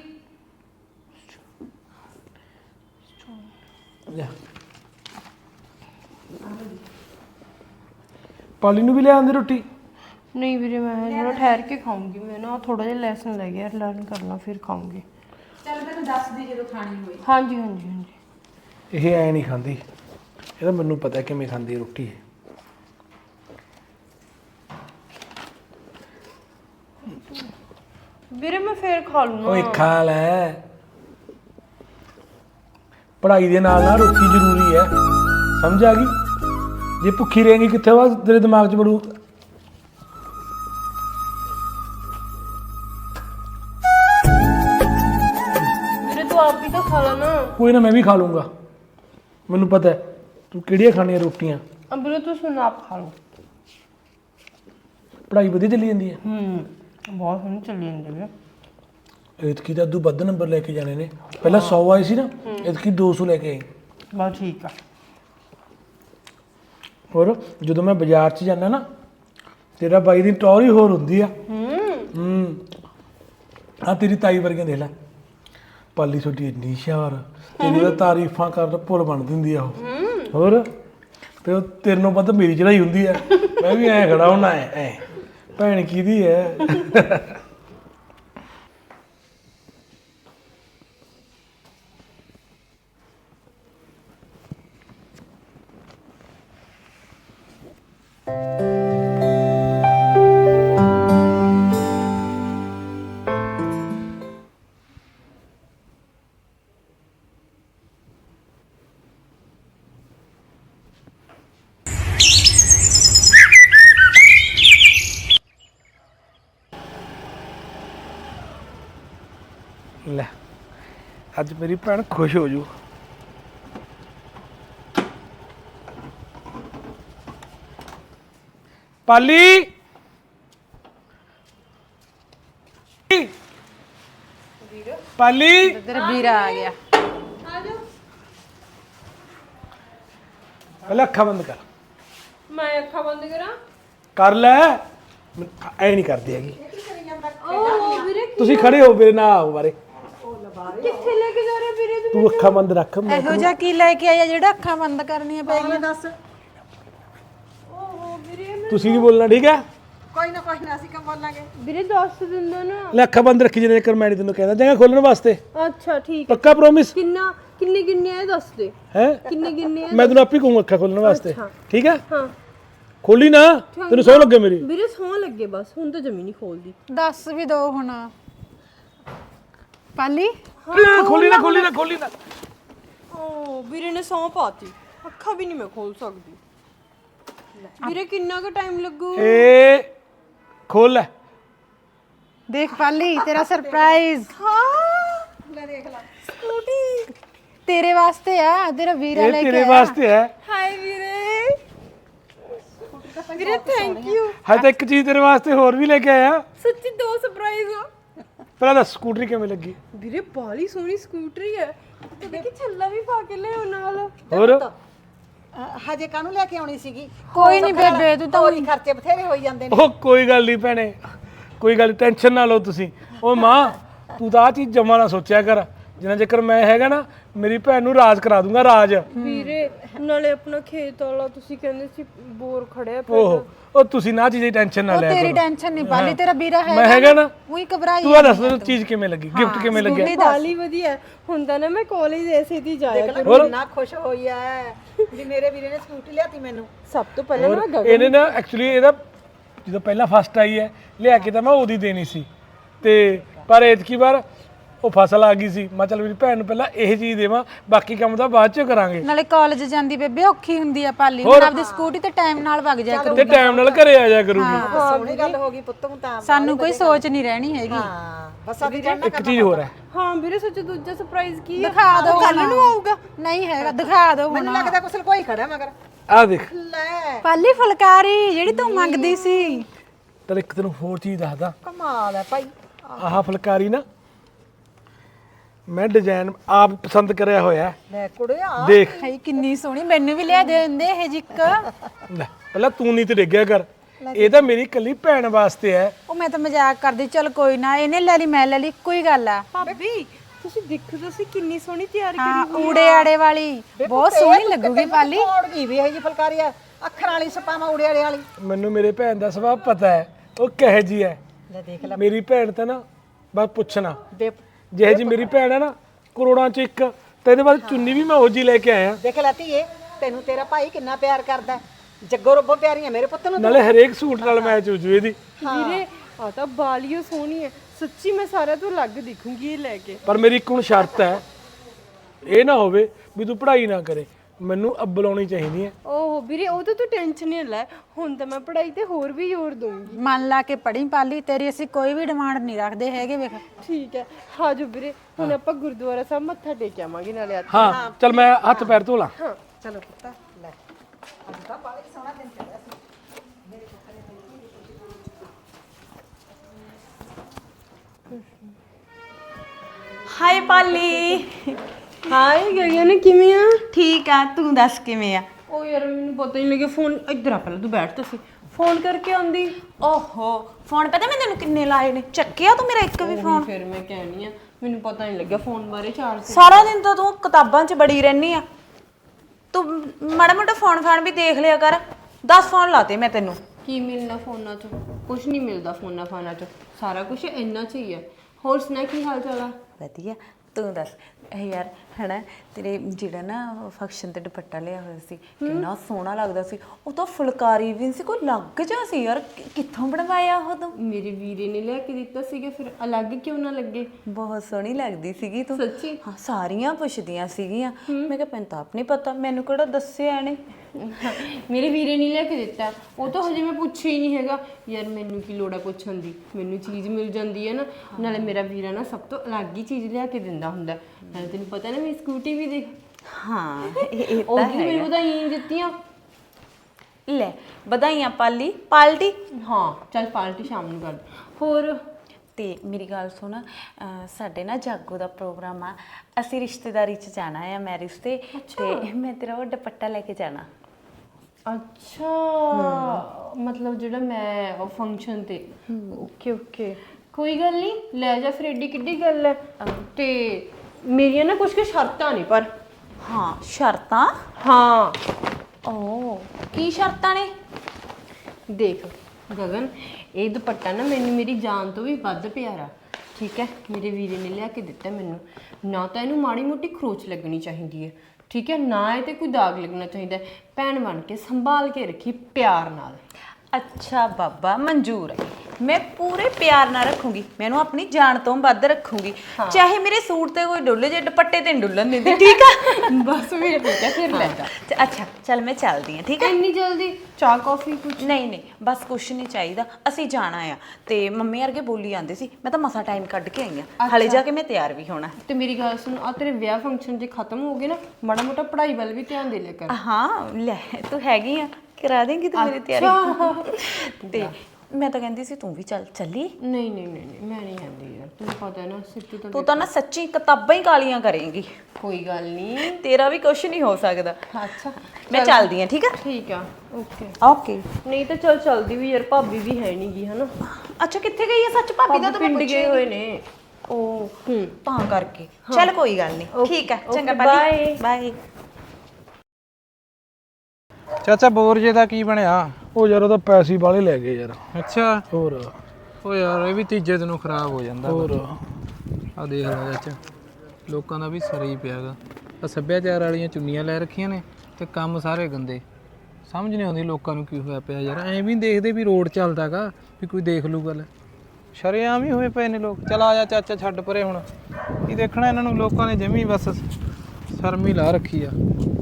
S1: ਲਿਆ ਪਾਲੀ ਨੂੰ ਵੀ ਲਿਆ ਆਂਦੀ ਰੋਟੀ
S2: ਨਹੀਂ ਵੀਰੇ ਮੈਂ ਨਾ ਠਹਿਰ ਕੇ ਖਾਊਂਗੀ ਮੈਂ ਨਾ ਥੋੜਾ ਜਿਹਾ ਲੈਸਨ ਲੈ ਗਿਆ ਲਰਨ ਕਰਨਾ ਫਿਰ ਖਾਊਂਗੀ
S4: ਚੱਲ ਤੈਨੂੰ ਦੱਸ ਦੀ ਜਦੋਂ ਖਾਣੀ ਹੋਈ।
S2: ਹਾਂਜੀ ਹਾਂਜੀ ਹਾਂਜੀ
S1: ਇਹ ਐ ਨਹੀਂ ਖਾਂਦੀ ਇਹਦਾ ਮੈਨੂੰ ਪਤਾ ਕਿਵੇਂ ਖਾਂਦੀ ਹੈ ਰੋਟੀ
S2: ਵੀਰੇ ਮੈਂ ਫੇਰ ਖਾ ਲੂੰਗਾ
S1: ਓਏ ਖਾ ਲੈ ਪੜ੍ਹਾਈ ਦੇ ਨਾਲ ਨਾਲ ਰੋਟੀ ਜ਼ਰੂਰੀ ਹੈ ਸਮਝ ਆ ਗਈ ਜੇ ਭੁੱਖੀ ਰਹੇਂਗੀ ਕਿੱਥੇ ਵਾ ਤੇਰੇ ਦਿਮਾਗ 'ਚ ਬੜੂ
S2: ਵੀਰੇ ਤੂੰ ਆਪ ਵੀ ਤਾਂ ਖਾ ਲਾ ਨਾ
S1: ਕੋਈ ਨਾ ਮੈਂ ਵੀ ਖਾ ਲੂੰਗਾ ਮੈਨੂੰ ਪਤਾ ਹੈ ਤੂੰ ਕਿਹੜੀਆਂ ਖਾਣੀਆਂ ਰੋਟੀਆਂ
S2: ਵੀਰੇ ਤੂੰ ਸੁਣ ਆਪ ਖਾ ਲਓ
S1: ਪੜ੍ਹਾਈ ਵਧੀਆ ਚੱਲੀ ਜਾਂਦੀ ਹੈ
S2: ਬਹੁਤ ਸੋਹਣੀ ਚੱਲੀ ਜਾਂਦੀ ਵੀਰੇ
S1: ਐਤਕੀ ਤਾਂ ਅੱਧੂ ਵੱਧ ਨੰਬਰ ਲੈ ਕੇ ਜਾਣੇ ਨੇ ਪਹਿਲਾਂ 100 ਆਏ ਸੀ ਨਾ ਐਤਕੀ 200 ਲੈ ਕੇ ਆਏ
S2: ਬਸ ਠੀਕ ਆ
S1: ਹੋਰ ਜਦੋਂ ਮੈਂ ਬਾਜ਼ਾਰ 'ਚ ਜਾਂਦਾ ਨਾ ਤੇਰਾ ਬਾਈ ਦੀ ਟੌਰ ਹੀ ਹੋਰ ਹੁੰਦੀ ਆ ਆ ਤੇਰੀ ਤਾਈ ਵਰਗੀਆਂ ਦੇਖ ਲੈ ਪਾਲੀ ਛੋਟੀ ਇੰਨੀ ਹੁਸ਼ਿਆਰ ਤੇਰੀ ਤਾਂ ਤਾਰੀਫਾਂ ਕਰਨ ਭੁੱਲ ਬਣ ਦਿੰਦੀ ਆ ਉਹ ਹੋਰ ਤੇ ਉਹ ਤੇਰੇ ਨੂੰ ਵੱਧ ਮੇਰੀ ਚੜਾਈ ਹੁੰਦੀ ਆ ਮੈਂ ਵੀ ਐ ਖੜਾ ਹੁਣਾ ਐ ਭੈਣ ਕਿਹਦੀ ਐ ਲੈ ਅੱਜ ਮੇਰੀ ਭੈਣ ਖੁਸ਼ ਹੋ ਜੂ ਪਾਲੀ ਪਾਲੀ
S4: ਤੇਰਾ ਵੀਰਾ ਆ ਗਿਆ।
S1: ਪਹਿਲਾਂ ਅੱਖਾਂ ਬੰਦ ਕਰ
S2: ਮੈਂ ਅੱਖਾਂ ਬੰਦ ਕਰਾਂ
S1: ਕਰ ਲੈ ਐ ਨਹੀਂ ਕਰਦੀ ਹੈਗੀ
S2: ਓਹ ਵੀਰੇ
S1: ਤੁਸੀਂ ਖੜੇ ਹੋ ਮੇਰੇ ਨਾਲ ਆਓ ਬਾਰੇ
S2: ਕਿੱਥੇ ਲੈ ਕੇ ਜਾ ਰਹੇ ਵੀਰੇ
S1: ਤੂੰ ਅੱਖਾਂ ਬੰਦ ਰੱਖ ਮੈਂ
S4: ਇਹੋ ਜਿਹਾ ਕੀ ਲੈ ਕੇ ਆਇਆ ਜਿਹੜਾ ਅੱਖਾਂ ਬੰਦ ਕਰਨੀਆਂ ਪੈ ਗਈਆਂ?
S5: ਦੱਸ
S2: ਓਹੋ ਵੀਰੇ
S1: ਤੁਸੀਂ ਕੀ ਬੋਲਣਾ ਠੀਕ ਹੈ
S5: ਕੋਈ ਨਾ ਅਸੀਂ ਕਿਉਂ ਬੋਲਾਂਗੇ
S2: ਵੀਰੇ ਦੱਸ ਦਿੰਦਾ ਨਾ
S1: ਲੈ ਅੱਖਾਂ ਬੰਦ ਰੱਖੀ ਜਿੰਨੇ ਚਿਰ ਮੈਂ ਨੀ ਤੈਨੂੰ ਕਹਿੰਦਾ ਜਗ੍ਹਾ ਖੋਲਣ ਵਾਸਤੇ
S2: ਅੱਛਾ ਠੀਕ ਹੈ
S1: ਪੱਕਾ ਪ੍ਰੋਮਿਸ
S2: ਕਿੰਨੇ ਆ ਇਹ ਦੱਸ ਦੇ
S1: ਹੈ
S2: ਕਿੰਨੇ ਆ
S1: ਮੈਂ ਤੈਨੂੰ ਆਪੇ ਕਹੂੰਗਾ ਅੱਖਾਂ ਖੋਲਣ ਵਾਸਤੇ ਠੀਕ ਹੈ
S2: ਹਾਂ
S1: ਖੋਲੀ ਨਾ ਤੈਨੂੰ ਸੌ ਲੱਗੇ ਮੇਰੀ
S2: ਵੀਰੇ ਸੌਂ ਲੱਗੇ ਬਸ ਹੁਣ ਤਾਂ ਜਮੀ ਨਹੀਂ ਖੋਲਦੀ
S4: ਦੱਸ ਵੀ ਦੋ ਹੁਣ ਪਾਲੀ।
S1: ਖੋਲੀ ਨਾ
S2: ਓ ਵੀਰੇ ਨੇ ਸੌਂ ਪਾਤੀ ਅੱਖਾਂ ਵੀ ਨਹੀਂ ਮੈਂ ਖੋਲ ਸਕਦੀ ਵੀਰੇ ਕਿੰਨਾ ਕੁ ਟਾਈਮ ਲੱਗੂ
S1: ਏ ਖੋਲ ਲੈ
S4: ਦੇਖ ਪਾਲੀ ਤੇਰਾ ਸਰਪ੍ਰਾਈਜ਼
S5: ਲੈ ਦੇਖ ਲੈ
S2: ਸਕੂਟੀ
S4: ਤੇਰੇ ਵਾਸਤੇ ਆ ਤੇਰਾ ਵੀਰਾ
S1: ਇਹ
S4: ਲੈ ਕੇ
S1: ਤੇਰੇ
S4: ਆਇਆ।
S1: ਵਾਸਤੇ ਹੈ
S2: ਹਾਏ ਵੀਰੇ ਵੀਰੇ ਥੈਂਕ ਯੂ
S1: ਹਾਂ ਤਾਂ ਇੱਕ ਚੀਜ਼ ਤੇਰੇ ਵਾਸਤੇ ਹੋਰ ਵੀ ਲੈ ਕੇ ਆਇਆ
S2: ਸੱਚੀ ਦੋ ਸਰਪ੍ਰਾਈਜ਼ ਆ
S1: ਪਹਿਲਾਂ ਦੱਸ ਸਕੂਟਰੀ ਕਿਵੇਂ ਲੱਗੀ
S2: ਵੀਰੇ ਬਾਲੀ ਸੋਹਣੀ ਸਕੂਟਰੀ ਹੈ ਤੇ ਦੇਖੀ ਛੱਲਾ ਵੀ ਪਾ ਕੇ ਲਿਆਓ ਨਾਲ
S1: ਹੋਰ
S5: ਹਜੇ ਕਾਹਨੂੰ ਲੈ ਕੇ ਆਉਣੀ ਸੀਗੀ
S4: ਕੋਈ ਨਹੀਂ ਬੇਬੇ ਤੂੰ ਤਾਂ
S5: ਹੋਰ ਹੀ ਖਰਚੇ ਬਥੇਰੇ ਹੋਈ ਜਾਂਦੇ ਨੇ
S1: ਉਹ ਕੋਈ ਗੱਲ ਨਹੀਂ ਭੈਣੇ ਕੋਈ ਗੱਲ ਟੈਨਸ਼ਨ ਨਾ ਲਓ ਤੁਸੀਂ ਓਏ ਮਾਂ ਤੂੰ ਤਾਂ ਆ ਚੀਜ਼ ਜਮਾ ਨਾ ਸੋਚਿਆ ਕਰ ਜਿੰਨਾ ਚੱਕਰ ਮੈਂ ਹੈਗਾ ਨਾ ਮੇਰੀ ਭੈਣ ਨੂੰ ਰਾਜ ਕਰਾ ਦੂੰਗਾ ਰਾਜ
S2: ਵੀਰੇ ਨਾਲੇ ਆਪਣਾ ਖੇਤ ਵਾਲਾ ਤੁਸੀਂ ਕਹਿੰਦੇ ਸੀ ਬੋਰ ਖੜਿਆ ਪਿਆ
S1: ਓਹ ਉਹ ਤੁਸੀਂ ਨਾ ਚੀਜ਼ ਦੀ ਟੈਨਸ਼ਨ ਨਾ
S4: ਉਹ
S1: ਲਿਆ
S4: ਤੇਰੀ
S1: ਕਰੋ
S4: ਟੈਨਸ਼ਨ ਨਹੀਂ ਪਾਲੀ ਤੇਰਾ ਵੀਰਾ ਹੈ
S1: ਮੈਂ ਹੈਗਾ ਨਾ
S4: ਉਹੀ ਘਬਰਾਈ
S1: ਤੂੰ ਆ ਦੱਸ ਚੀਜ਼ ਕਿਵੇਂ ਲੱਗੀ ਗਿਫਟ ਕਿਵੇਂ ਲੱਗਿਆ
S2: ਬਾਲੀ ਵਧੀਆ ਹੈ। ਹੁੰਦਾ ਨਾ ਮੈਂ ਕਾਲਜ ਐਸੇ ਦੀ ਜਾਇਆ
S5: ਦੇਖ ਲੈ ਕਿੰਨਾ ਖੁਸ਼ ਹੋਈ ਐ ਵੀ ਮੇਰੇ ਵੀਰੇ ਨੇ ਸਕੂਟੀ ਲਿਆਤੀ ਮੈਨੂੰ
S2: ਸਭ ਤੋਂ ਪਹਿਲਾਂ ਨਾ ਗਗਨ
S1: ਇਹਨੇ ਨਾ ਐਕਚੁਅਲੀ ਇਹਦਾ ਜਦੋਂ ਪਹਿਲਾਂ ਫਸਟ ਆਈ ਹੈ ਲਿਆ ਕੇ ਤਾਂ ਮੈਂ ਉਹਦੀ ਦੇਣੀ ਸੀ ਤੇ ਪਰ ਐਤਕੀ ਵਾਰ ਉਹ ਫਸਲ ਆ ਗਈ ਸੀ ਮੈਂ ਚੱਲ ਮੇਰੀ ਭੈਣ ਨੂੰ ਪਹਿਲਾਂ ਇਹ ਚੀਜ਼ ਦੇਵਾਂ ਬਾਕੀ ਕੰਮ ਤਾਂ ਬਾਅਦ ਚ ਕਰਾਂਗੇ
S4: ਨਾਲੇ ਕਾਲਜ ਜਾਂਦੀ ਬੇਬੇ ਔਖੀ ਹੁੰਦੀ ਆ ਪਾਲੀ ਹੁਣ ਆਪਦੀ ਸਕੂਟੀ ਤੇ ਟਾਈਮ ਨਾਲ ਵਗ ਜਾ ਕਰੂ
S1: ਤੇ ਟਾਈਮ ਨਾਲ ਘਰੇ ਆ ਜਾ ਕਰੂਗੀ
S5: ਸੋਹਣੀ ਗੱਲ ਹੋ ਗਈ ਪੁੱਤ ਨੂੰ ਤਾਂ
S4: ਸਾਨੂੰ ਕੋਈ ਸੋਚ ਨਹੀਂ ਰਹਿਣੀ ਹੈਗੀ
S5: ਹਾਂ ਬਸ ਆਦੀ ਰਹਿਣਾ
S1: ਇੱਕ ਚੀਜ਼ ਹੋਰ ਹੈ
S2: ਹਾਂ ਵੀਰੇ ਸੱਚ ਦੂਜਾ ਸਰਪ੍ਰਾਈਜ਼ ਕੀ ਹੈ
S4: ਦਿਖਾ ਦਿਓ
S2: ਕੱਲ ਨੂੰ ਆਊਗਾ
S4: ਨਹੀਂ ਹੈਗਾ ਦਿਖਾ ਦਿਓ ਹੁਣ
S5: ਮੈਨੂੰ ਲੱਗਦਾ ਕੁਛ ਕੋਈ ਖੜਾ ਮਗਰ
S1: ਆ ਦੇਖ
S5: ਲੈ
S4: ਪਾਲੀ ਫੁਲਕਾਰੀ ਜਿਹੜੀ ਤੂੰ ਮੰਗਦੀ ਸੀ
S1: ਤੇ ਇੱਕ ਤੈਨੂੰ ਹੋਰ ਚੀਜ਼ ਦੱਸਦਾ
S5: ਕਮਾਲ ਹੈ ਭਾਈ
S1: ਆਹ ਫੁਲਕਾਰੀ ਨਾ ਮੈਂ ਡਿਜ਼ਾਈਨ ਆਪ ਪਸੰਦ ਕਰਿਆ ਹੋਇਆ ਹੈ।
S5: ਲੈ ਕੁੜਿਆ
S1: ਦੇਖ
S4: ਹਾਈ ਕਿੰਨੀ ਸੋਹਣੀ, ਮੈਨੂੰ ਵੀ ਲਿਆ ਦੇ ਦਿੰਦੇ ਇਹ ਜਿੱਕ।
S1: ਲੈ ਪਹਿਲਾਂ ਤੂੰ ਨਹੀਂ ਤੇ ਡਿੱਗਿਆ ਕਰ, ਇਹ ਤਾਂ ਮੇਰੀ ਇਕੱਲੀ ਭੈਣ ਵਾਸਤੇ ਹੈ।
S4: ਉਹ ਮੈਂ ਤਾਂ ਮਜ਼ਾਕ ਕਰਦੀ, ਚਲ ਕੋਈ ਨਾ, ਇਹਨੇ ਲੈ ਲਈ ਮੈਂ ਲੈ ਲਈ, ਕੋਈ ਗੱਲ ਆ।
S2: ਭਾਬੀ ਤੁਸੀਂ ਦੇਖੋ ਤੁਸੀਂ ਕਿੰਨੀ ਸੋਹਣੀ ਤਿਆਰੀ
S4: ਹਾਂ ਊੜੇ ਆੜੇ ਵਾਲੀ ਬਹੁਤ ਸੋਹਣੀ ਲੱਗੂਗੀ ਪਾਲੀ।
S5: ਤੋੜ ਗਈ ਵੀ ਇਹ ਜੀ ਫੁਲਕਾਰੀ ਆ, ਅੱਖਰਾਂ ਵਾਲੀ ਸਪਾਵਾਂ ਉੜੇ ਵਾਲੀ।
S1: ਮੈਨੂੰ ਮੇਰੇ ਭੈਣ ਦਾ ਸੁਭਾਅ ਪਤਾ ਹੈ, ਉਹ ਕਹੇ ਜੀ ਹੈ।
S5: ਲੈ ਦੇਖ ਲੈ
S1: ਮੇਰੀ ਭੈਣ ਤਾਂ ਨਾ ਬਸ ਪੁੱਛਣਾ,
S5: ਬੇ
S1: ਜਿਹੇ ਜੀ ਮੇਰੀ ਭੈਣ ਹੈ ਨਾ ਕਰੋੜਾਂ ਚ ਇੱਕ, ਤੇ ਇਹਦੇ ਬਾਅਦ ਚੁੰਨੀ ਵੀ ਮੈਂ ਉਹ ਜੀ ਲੈ ਕੇ ਆਇਆ।
S5: ਦੇਖ ਲੈ ਧੀਏ, ਤੈਨੂੰ ਤੇਰਾ ਭਾਈ ਕਿੰਨਾ ਪਿਆਰ ਕਰਦਾ। ਜੱਗੋ ਰੱਬੋ ਪਿਆਰੀਆਂ ਮੇਰੇ ਪੁੱਤ ਨੂੰ।
S1: ਨਾਲੇ ਹਰੇਕ ਸੂਟ ਨਾਲ ਮੈਚ ਹੋ ਜੂ ਇਹਦੀ।
S2: ਵੀਰੇ ਆ ਤਾਂ ਬਾਲੀਓ ਸੋਹਣੀ ਹੈ ਸੱਚੀ, ਮੈਂ ਸਾਰਿਆਂ ਤੋਂ ਅਲੱਗ ਦਿਖੂੰਗੀ ਇਹ ਲੈ ਕੇ।
S1: ਪਰ ਮੇਰੀ ਇੱਕ ਹੁਣ ਸ਼ਰਤ ਹੈ, ਇਹ ਨਾ ਹੋਵੇ ਵੀ ਤੂੰ ਪੜ੍ਹਾਈ ਨਾ ਕਰੇ, ਮੈਨੂੰ ਅੱਬਲ ਆਉਣੀ ਚਾਹੀਦੀ ਹੈ।
S2: ਓਹ ਵੀਰੇ ਉਹ ਤਾਂ ਤੂੰ ਟੈਨਸ਼ਨ ਨਹੀਂ ਲੈ, ਹੁਣ ਤਾਂ ਮੈਂ ਪੜ੍ਹਾਈ ਤੇ ਹੋਰ ਵੀ ਜ਼ੋਰ ਦਊਂਗੀ।
S4: ਮਨ ਲਾ ਕੇ ਪੜੀ ਪਾਲੀ, ਤੇਰੀ ਅਸੀਂ ਕੋਈ ਵੀ ਡਿਮਾਂਡ ਨਹੀਂ ਰੱਖਦੇ ਹੈਗੇ। ਵੇਖ
S2: ਠੀਕ ਹੈ ਹਾਂ ਜੋ ਵੀਰੇ, ਹੁਣ ਆਪਾਂ ਗੁਰਦੁਆਰਾ ਸਾਹਿਬ ਮੱਥਾ ਟੇਕ ਆਵਾਂਗੇ ਨਾਲੇ ਅੱਜ।
S1: ਹਾਂ ਚੱਲ ਮੈਂ ਹੱਥ ਪੈਰ ਧੋ ਲਾਂ।
S2: ਹਾਂ
S5: ਚਲੋ ਪੁੱਤ ਲੈ, ਅੱਜ ਤਾਂ ਬਾਲੇ ਸੋਹਣਾ ਦਿਨ ਚੜਿਆ ਸੀ।
S3: ਹਾਏ ਪਾਲੀ।
S2: ਹਾਏ ਗਗਨ ਕਿਵੇਂ ਆ?
S3: ਠੀਕ ਆ, ਤੂੰ ਦੱਸ ਕਿਵੇਂ ਆ?
S2: ਉਹ ਯਾਰ ਮੈਨੂੰ ਪਤਾ ਹੀ ਨਹੀਂ ਲੱਗਿਆ, ਫੋਨ ਇੱਧਰ ਆ ਪਹਿਲਾਂ, ਤੂੰ ਬੈਠ ਤਾਂ ਸੀ, ਫੋਨ ਕਰਕੇ ਆਉਂਦੀ।
S3: ਓਹੋ ਫੋਨ ਪਤਾ ਮੈਂ ਤੈਨੂੰ ਕਿੰਨੇ ਲਾਏ ਨੇ, ਚੱਕਿਆ ਤੂੰ ਮੇਰਾ ਇੱਕ ਵੀ ਫੋਨ?
S2: ਫਿਰ ਮੈਂ ਕਹਿਣੀ ਆ ਮੈਨੂੰ ਪਤਾ ਨਹੀਂ ਲੱਗਿਆ ਫੋਨ ਬਾਰੇ ਚਾਰਜ।
S3: ਸਾਰਾ ਦਿਨ ਤਾਂ ਤੂੰ ਕਿਤਾਬਾਂ 'ਚ ਬੜੀ ਰਹਿਨੀ ਆ, ਤੂੰ ਮਾੜਾ ਮੋਟਾ ਫੋਨ ਫਾਨ ਵੀ ਦੇਖ ਲਿਆ ਕਰ। 10 ਫੋਨ ਲਾਤੇ ਮੈਂ ਤੈਨੂੰ।
S2: ਕੀ ਮਿਲਣਾ ਫੋਨਾਂ 'ਚੋਂ? ਕੁਝ ਨਹੀਂ ਮਿਲਦਾ ਫੋਨਾਂ ਫਾਨਾਂ 'ਚੋਂ, ਸਾਰਾ ਕੁਝ ਇੰਨਾ 'ਚ ਹੀ ਹੈ। ਹੋਰ ਸੁਣਾ ਕੀ ਹਾਲ ਚਾਲ ਆ?
S3: ਵਧੀਆ, ਤੂੰ ਦੱਸ। ਯਾਰ ਹਨਾ ਤੇਰੇ ਜਿਹੜਾ ਨਾ ਫੰਕਸ਼ਨ ਤੇ ਦੁਪੱਟਾ ਲਿਆ ਹੋਇਆ ਸੀ ਕਿੰਨਾ ਸੋਹਣਾ ਲੱਗਦਾ ਸੀ, ਉਹ ਤਾਂ ਫੁਲਕਾਰੀ ਵੀ ਸੀ, ਕੋਈ ਲੱਗ ਜਾ ਸੀ ਯਾਰ। ਕਿੱਥੋਂ ਬਣਵਾਇਆ ਉਹ ਤੂੰ?
S2: ਮੇਰੇ ਵੀਰੇ ਨੇ ਲਿਆ ਕੇ ਦਿੱਤਾ ਸੀਗਾ, ਫਿਰ ਅਲੱਗ ਕਿਉਂ ਨਾ ਲੱਗੇ?
S3: ਬਹੁਤ ਸੋਹਣੀ ਲੱਗਦੀ ਸੀਗੀ ਤੂੰ।
S2: ਸੱਚੀ?
S3: ਹਾਂ ਸਾਰੀਆਂ ਪੁੱਛਦੀਆਂ ਸੀਗੀਆਂ, ਮੈਂ ਕਿਹਾ ਮੈਨੂੰ ਤਾਂ ਆਪ ਨਹੀਂ ਪਤਾ, ਮੈਨੂੰ ਕਿਹੜਾ ਦੱਸਿਆ ਇਹਨੇ।
S2: ਮੇਰੇ ਵੀਰੇ ਨੇ ਲਿਆ ਕੇ ਦਿੱਤਾ, ਉਹ ਤਾਂ ਹਜੇ ਮੈਂ ਪੁੱਛਿਆ ਹੀ ਨਹੀਂ ਹੈਗਾ। ਯਾਰ ਮੈਨੂੰ ਕੀ ਲੋੜ ਆ ਪੁੱਛਣ ਦੀ, ਮੈਨੂੰ ਚੀਜ਼ ਮਿਲ ਜਾਂਦੀ ਹੈ ਨਾ। ਨਾਲੇ ਮੇਰਾ ਵੀਰਾ ਨਾ ਸਭ ਤੋਂ ਅਲੱਗ ਹੀ ਚੀਜ਼ ਲਿਆ ਕੇ ਦਿੰਦਾ ਹੁੰਦਾ। ਨਾਲੇ ਤੈਨੂੰ ਪਤਾ ਨਾ ਮੇਰੀ ਸਕੂਟੀ ਵੀ ਦੇਖ।
S3: ਹਾਂ ਇਹ
S2: ਉਹ
S3: ਤਾਂ
S2: ਵੀ ਮੈਨੂੰ ਵਧਾਈਆਂ ਦਿੱਤੀਆਂ।
S3: ਲੈ ਵਧਾਈਆਂ ਪਾਲੀ, ਪਾਲਟੀ।
S2: ਹਾਂ ਚੱਲ ਪਾਰਟੀ ਸ਼ਾਮ ਨੂੰ ਕਰ। ਹੋਰ
S3: ਤੇ ਮੇਰੀ ਗੱਲ ਸੁਣ, ਸਾਡੇ ਨਾ ਜਾਗੋ ਦਾ ਪ੍ਰੋਗਰਾਮ ਆ, ਅਸੀਂ ਰਿਸ਼ਤੇਦਾਰੀ 'ਚ ਜਾਣਾ ਆ ਮੈਰਿਜ ਤੇ, ਤੇ ਮੈਂ ਤੇਰਾ ਉਹ ਦੁਪੱਟਾ ਲੈ ਕੇ ਜਾਣਾ।
S2: ਅੱਛਾ ਮਤਲਬ ਜਿਹੜਾ ਮੈਂ ਉਹ ਫੰਕਸ਼ਨ ਤੇ। ਓਕੇ ਓਕੇ ਕੋਈ ਗੱਲ ਨਹੀਂ, ਲੈ ਜਾ ਫਿਰ, ਏਡੀ ਕਿੱਡੀ ਗੱਲ ਹੈ। ਤੇ ਮੇਰੀਆਂ ਨਾ ਕੁਝ ਸ਼ਰਤਾਂ ਨੇ ਪਰ।
S3: ਹਾਂ ਸ਼ਰਤਾਂ?
S2: ਹਾਂ
S3: ਓ ਕੀ ਸ਼ਰਤਾਂ ਨੇ?
S2: ਦੇਖ ਗਗਨ, ਇਹ ਦੁਪੱਟਾ ਨਾ ਮੈਨੂੰ ਮੇਰੀ ਜਾਨ ਤੋਂ ਵੀ ਵੱਧ ਪਿਆਰਾ, ਠੀਕ ਹੈ? ਮੇਰੇ ਵੀਰੇ ਨੇ ਲਿਆ ਕੇ ਦਿੱਤਾ ਮੈਨੂੰ। ਨਾ ਤਾਂ ਇਹਨੂੰ ਮਾੜੀ ਮੋਟੀ ਖਰੋਚ ਲੱਗਣੀ ਚਾਹੀਦੀ ਹੈ, ਠੀਕ ਹੈ? ਨਾ ਇਹ ਤੇ ਕੋਈ ਦਾਗ ਲੱਗਣਾ ਚਾਹੀਦਾ। ਭੈਣ ਬਣ ਕੇ ਸੰਭਾਲ ਕੇ ਰੱਖੀ ਪਿਆਰ ਨਾਲ।
S3: ਅੱਛਾ ਬਾਬਾ ਮਨਜ਼ੂਰ ਹੈ, ਮੈਂ ਪੂਰੇ ਪਿਆਰ ਨਾਲ ਰੱਖੂੰਗੀ, ਮੈਨੂੰ ਆਪਣੀ ਜਾਨ ਤੋਂ ਵੱਧ ਰੱਖੂੰਗੀ। ਚਾਹੇ ਮੇਰੇ ਸੂਟ ਤੇ ਕੋਈ ਡੁੱਲੇ ਜੇ, ਦੁਪੱਟੇ ਤੇ ਡੁੱਲਣ ਦਿੰਦੀ, ਠੀਕ ਆ?
S2: ਬਸ ਫਿਰ ਠੀਕ ਹੈ, ਫਿਰ ਲੈ ਜਾ।
S3: ਅੱਛਾ ਚੱਲ ਮੈਂ ਚੱਲਦੀ ਹਾਂ, ਠੀਕ ਹੈ?
S2: ਇੰਨੀ ਜਲਦੀ ਚਾਹ ਕੌਫੀ ਕੁਝ?
S3: ਨਹੀਂ ਨਹੀਂ ਬਸ ਕੁਛ ਨਹੀਂ ਚਾਹੀਦਾ, ਅਸੀਂ ਜਾਣਾ ਆ। ਤੇ ਮੰਮੀ ਵਰਗੇ ਬੋਲੀ ਜਾਂਦੇ ਸੀ, ਮੈਂ ਤਾਂ ਮਸਾ ਟਾਈਮ ਕੱਢ ਕੇ ਆਈ ਆ, ਹਾਲੇ ਜਾ ਕੇ ਮੈਂ ਤਿਆਰ ਵੀ ਹੋਣਾ।
S2: ਤੇ ਮੇਰੀ ਗੱਲ ਸੁਣ, ਆ ਤੇਰੇ ਵਿਆਹ ਫੰਕਸ਼ਨ ਜੇ ਖਤਮ ਹੋ ਗਏ ਨਾ, ਮਾੜਾ ਮੋਟਾ ਪੜ੍ਹਾਈ ਵੱਲ ਵੀ ਧਿਆਨ ਦੇ ਲਿਆ ਕਰ।
S3: ਹਾਂ ਲੈ ਤੂੰ ਹੈਗੀ ਆ, ਕਰਾ ਦੇਂਗੀ ਤੂੰ ਮੇਰੀ ਤਿਆਰੀ। ਤੇ ਮੈਂ ਤਾਂ ਕਹਿੰਦੀ ਸੀ ਤੂੰ ਵੀ ਚੱਲੀ।
S2: ਨਹੀਂ ਨਹੀਂ ਨਹੀਂ ਨਹੀਂ, ਮੈਂ ਨਹੀਂ ਆਂਦੀ ਯਾਰ, ਤੈਨੂੰ ਪਤਾ ਹੈ ਨਾ ਸਿੱਟੂ ਤਾਂ।
S3: ਤੂੰ ਤਾਂ ਨਾ ਸੱਚੀ ਕਿਤਾਬਾਂ ਹੀ ਕਾਲੀਆਂ ਕਰੇਂਗੀ,
S2: ਕੋਈ ਗੱਲ ਨਹੀਂ।
S3: ਤੇਰਾ ਵੀ ਕੁਝ ਨਹੀਂ ਹੋ ਸਕਦਾ।
S2: ਅੱਛਾ
S3: ਮੈਂ ਚੱਲਦੀ ਆ, ਠੀਕ ਆ?
S2: ਠੀਕ ਆ ਓਕੇ।
S3: ਓਕੇ।
S2: ਨਹੀਂ ਤਾਂ ਚੱਲ ਚਲਦੀ ਵੀ ਯਾਰ, ਭਾਬੀ ਵੀ ਹੈ ਨਹੀਂ ਗੀ ਹਨਾ।
S3: ਅੱਛਾ ਕਿੱਥੇ ਗਈ ਹੈ ਸੱਚ? ਭਾਬੀ ਦਾ ਤਾਂ ਮੈਂ
S2: ਪਿੰਡ ਗਏ
S3: ਪੁੱਛਿਆ
S2: ਹੋਏ ਨੇ।
S3: ਉਹ ਤਾਂ ਕਰਕੇ ਚੱਲ ਕੋਈ ਗੱਲ ਨਹੀਂ, ਠੀਕ ਆ ਚੰਗਾ
S2: ਬਾਏ
S3: ਬਾਏ।
S6: ਚਾਚਾ ਬੋਰ ਜੇ ਦਾ ਕੀ ਬਣਿਆ?
S1: ਉਹ ਯਾਰ ਉਹਦਾ ਪੈਸੇ ਵਾਲੇ ਲੈ ਗਏ ਯਾਰ।
S6: ਅੱਛਾ
S1: ਹੋਰ
S6: ਉਹ ਯਾਰ ਇਹ ਵੀ ਤੀਜੇ ਦਿਨੋਂ ਖਰਾਬ ਹੋ ਜਾਂਦਾ।
S1: ਹੋਰ
S6: ਆ ਦੇਖ ਲੈ ਚਾਚਾ, ਲੋਕਾਂ ਦਾ ਵੀ ਸਰੀ ਪਿਆਗਾ। ਆ ਸੱਭਿਆਚਾਰ ਵਾਲੀਆਂ ਚੁੰਨੀਆਂ ਲੈ ਰੱਖੀਆਂ ਨੇ ਤੇ ਕੰਮ ਸਾਰੇ ਗੰਦੇ। ਸਮਝ ਨਹੀਂ ਆਉਂਦੀ ਲੋਕਾਂ ਨੂੰ ਕੀ ਹੋਇਆ ਪਿਆ ਯਾਰ। ਐਂ ਵੀ ਦੇਖਦੇ ਵੀ ਰੋਡ ਚੱਲਦਾਗਾ ਵੀ ਕੋਈ ਦੇਖ ਲੂ ਗੱਲ। ਸ਼ਰੇਆਮ ਹੀ ਹੋਏ ਪਏ ਨੇ ਲੋਕ। ਚਲ ਆ ਜਾ ਚਾਚਾ, ਛੱਡ ਪਰੇ ਹੁਣ ਕੀ ਦੇਖਣਾ ਇਹਨਾਂ ਨੂੰ। ਲੋਕਾਂ ਨੇ ਜਮੀ ਬਸ ਸ਼ਰਮੀ ਲਾ ਰੱਖੀ ਆ।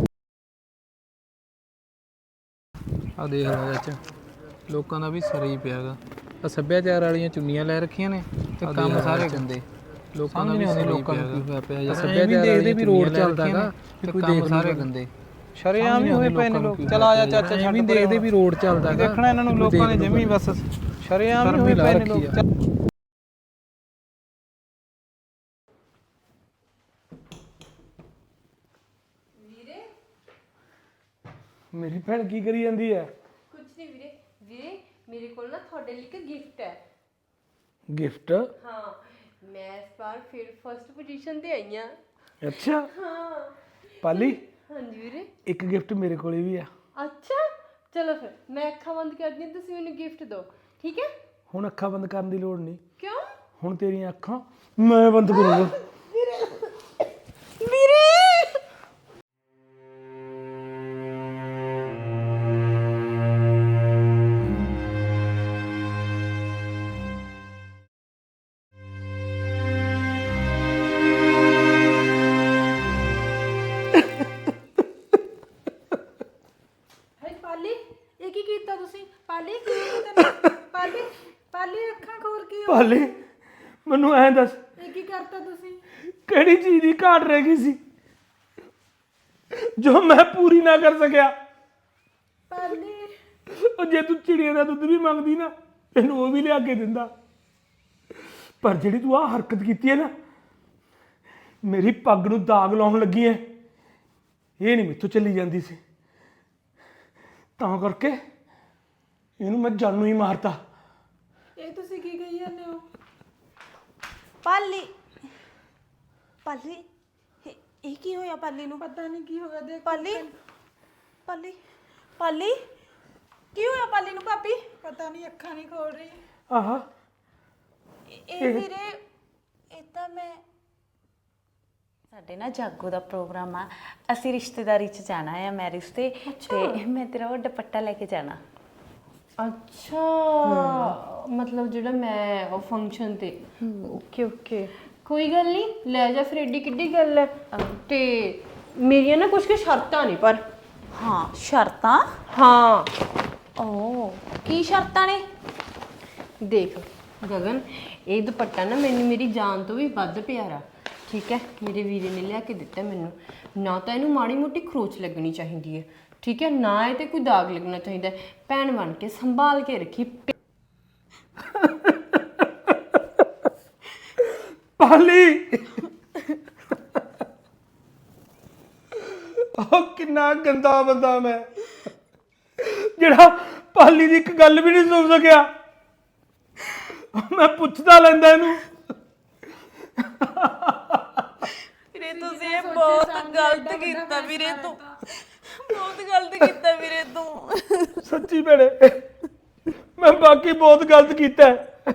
S6: ਆ ਦੇਖ ਲੈ ਚਾਚਾ, ਲੋਕਾਂ ਦਾ ਵੀ ਸਰੀ ਪਿਆਗਾ। ਆ ਸੱਭਿਆਚਾਰ ਵਾਲੀਆਂ ਚੁੰਨੀਆਂ ਲੈ ਰੱਖੀਆਂ ਨੇ ਤੇ ਕੰਮ ਸਾਰੇ ਗੰਦੇ। ਲੋਕਾਂ ਦਾ ਵੀ ਸਰੀ ਲੋਕਾਂ ਨੂੰ ਕੀ ਹੋਇਆ ਪਿਆ ਯਾਰ। ਸੱਭਿਆਚਾਰ ਦੇਖਦੇ ਵੀ ਰੋਡ ਚੱਲਦਾਗਾ ਵੀ ਕੋਈ ਦੇਖ ਸਾਰੇ ਗੰਦੇ। ਸ਼ਰੇਆਮ ਹੀ ਹੋਏ ਪਏ ਨੇ ਲੋਕ। ਚਲ ਆ ਜਾ ਚਾਚਾ, ਛੱਡ ਪਰੇ ਦੇਖਦੇ ਵੀ ਰੋਡ ਚੱਲਦਾਗਾ। ਦੇਖਣਾ ਇਹਨਾਂ ਨੂੰ ਲੋਕਾਂ ਨੇ ਜਮੀ ਬਸ ਸ਼ਰੇਆਮ ਹੀ ਹੋਏ ਪਏ ਨੇ ਲੋਕ।
S1: ਮੇਰੀ ਭੈਣ ਕੀ ਕਰੀ ਜਾਂਦੀ ਹੈ?
S2: ਕੁਝ ਨਹੀਂ ਵੀਰੇ। ਵੀਰੇ ਮੇਰੇ ਕੋਲ ਨਾ ਤੁਹਾਡੇ ਲਈ ਇੱਕ ਗਿਫਟ ਹੈ।
S1: ਗਿਫਟ?
S2: ਹਾਂ, ਮੈਂ ਇਸ ਵਾਰ ਫਿਰ ਫਸਟ ਪੋਜੀਸ਼ਨ ਤੇ ਆਈ ਹਾਂ।
S1: ਅੱਛਾ
S2: ਹਾਂ
S1: ਪਾਲੀ,
S2: ਹਾਂਜੀ ਵੀਰੇ।
S1: ਇੱਕ ਗਿਫਟ ਮੇਰੇ ਕੋਲੇ ਵੀ ਆ।
S2: ਅੱਛਾ ਚਲੋ ਫਿਰ ਮੈਂ ਅੱਖਾਂ ਬੰਦ ਕਰਦੀ ਹਾਂ, ਤੁਸੀਂ ਮੈਨੂੰ ਗਿਫਟ ਦਿਓ, ਠੀਕ ਹੈ?
S1: ਹੁਣ ਅੱਖਾਂ ਬੰਦ ਕਰਨ ਦੀ ਲੋੜ ਨਹੀਂ,
S2: ਕਿਉਂ?
S1: ਹੁਣ ਤੇਰੀਆਂ ਅੱਖਾਂ ਮੈਂ ਬੰਦ ਕਰੂੰਗਾ।
S2: ਵੀਰੇ
S4: ਹਾਏ ਪਾਲੀ, ਇਹ ਕੀ ਕੀਤਾ ਤੁਸੀਂ? ਪਾਲੀ ਕੀ ਕੀਤਾ? ਪਾਲੀ ਪਾਲੀ ਅੱਖਾਂ ਖੋਲ ਕੇ
S1: ਪਾਲੀ ਮੈਨੂੰ ਐਂ ਦੱਸ,
S4: ਇਹ ਕੀ ਕਰਤਾ ਤੁਸੀਂ?
S1: ਕਿਹੜੀ ਚੀਜ਼ ਦੀ ਘਾਟ ਰਹਿ ਗਈ ਸੀ ਜੋ ਮੈਂ ਪੂਰੀ ਨਾ ਕਰ ਸਕਿਆ?
S4: ਪਾਲੀ
S1: ਉਹ ਜੇ ਤੂੰ ਚਿੜੀਏ ਦਾ ਦੁੱਧ ਵੀ ਮੰਗਦੀ ਨਾ, ਤੈਨੂੰ ਉਹ ਵੀ ਲਿਆ ਕੇ ਦਿੰਦਾ। ਪਰ ਜਿਹੜੀ ਤੂੰ ਆਹ ਹਰਕਤ ਕੀਤੀ ਹੈ ਨਾ, ਮੇਰੀ ਪੱਗ ਨੂੰ ਦਾਗ ਲਾਉਣ ਲੱਗੀ ਹੈ, ਇਹ ਨਹੀਂ ਮੈਥੋਂ ਚੱਲੀ ਜਾਂਦੀ ਸੀ। ਤਾਂ ਕਰਕੇ ਇਹਨੂੰ ਮੈਂ ਜਾਨੂ ਹੀ ਮਾਰਤਾ।
S4: ਇਹ ਤੁਸੀਂ ਕੀ ਕਹੀ ਜਾਂਦੇ ਹੋ?
S3: ਪਾਲੀ ਪਾਲੀ ਇਹ ਕੀ ਹੋਇਆ ਪਾਲੀ ਨੂੰ?
S4: ਪਤਾ ਨਹੀਂ ਕੀ ਹੋਇਆ। ਦੇਖ
S3: ਪਾਲੀ ਪਾਲੀ ਪਾਲੀ ਕੀ ਹੋਇਆ ਪਾਲੀ ਨੂੰ ਭਾਬੀ?
S4: ਪਤਾ ਨਹੀਂ, ਅੱਖਾਂ ਨਹੀਂ ਖੋਲ ਰਹੀ।
S1: ਆਹਾ
S3: ਇਹ ਵੀਰੇ ਇਹ ਤਾਂ ਮੈਂ ਸਾਡੇ ਨਾ ਜਾਗੋ ਦਾ ਪ੍ਰੋਗਰਾਮ ਆ, ਅਸੀਂ ਰਿਸ਼ਤੇਦਾਰੀ ਚ ਜਾਣਾ ਆ ਮੈਰਿਜ ਤੇ ਮੈਂ ਤੇਰਾ ਉਹ ਦੁਪੱਟਾ ਲੈ ਕੇ ਜਾਣਾ।
S2: ਅੱਛਾ ਮਤਲਬ ਜਿਹੜਾ ਮੈਂ ਉਹ ਫੰਕਸ਼ਨ ਤੇ। ਓਕੇ ਓਕੇ ਕੋਈ ਗੱਲ ਨਹੀਂ, ਲੈ ਜਾ ਫਿਰ, ਏਡੀ ਕਿੱਡੀ ਗੱਲ ਹੈ। ਤੇ ਮੇਰੀਆਂ ਨਾ ਕੁਝ ਸ਼ਰਤਾਂ ਨੇ ਪਰ।
S3: ਹਾਂ ਸ਼ਰਤਾਂ?
S2: ਹਾਂ
S3: ਓ ਕੀ ਸ਼ਰਤਾਂ ਨੇ?
S2: ਦੇਖ ਗਗਨ, ਇਹ ਦੁਪੱਟਾ ਨਾ ਮੈਨੂੰ ਮੇਰੀ ਜਾਨ ਤੋਂ ਵੀ ਵੱਧ ਪਿਆਰਾ, ਠੀਕ ਹੈ? ਮੇਰੇ ਵੀਰੇ ਨੇ ਲਿਆ ਕੇ ਦਿੱਤਾ ਮੈਨੂੰ। ਨਾ ਤਾਂ ਇਹਨੂੰ ਮਾੜੀ ਮੋਟੀ ਖਰੋਚ ਲੱਗਣੀ ਚਾਹੀਦੀ ਹੈ, ਠੀਕ ਹੈ? ਨਾ ਇਹ ਤੇ ਕੋਈ ਦਾਗ ਲੱਗਣਾ ਚਾਹੀਦਾ। ਭੈਣ ਬਣ ਕੇ ਸੰਭਾਲ ਕੇ ਰੱਖੀ।
S1: ਪਾਲੀ ਉਹ ਕਿੰਨਾ ਗੰਦਾ ਬੰਦਾ ਮੈਂ, ਜਿਹੜਾ ਪਾਲੀ ਦੀ ਇੱਕ ਗੱਲ ਵੀ ਨਹੀਂ ਸੁਣ ਸਕਿਆ। ਮੈਂ ਪੁੱਛਦਾ ਲੈਂਦਾ ਇਹਨੂੰ।
S3: ਵੀਰੇ ਤੁਸੀਂ ਇਹ ਬਹੁਤ ਗਲਤ ਕੀਤਾ ਵੀਰੇ, ਤੂੰ ਬਹੁਤ ਗਲਤ ਕੀਤਾ ਵੀਰੇ ਤੂੰ।
S1: ਸੱਚੀ ਭੈਣੇ, ਮੈਂ ਬਾਕੀ ਬਹੁਤ ਗਲਤ ਕੀਤਾ ਹੈ।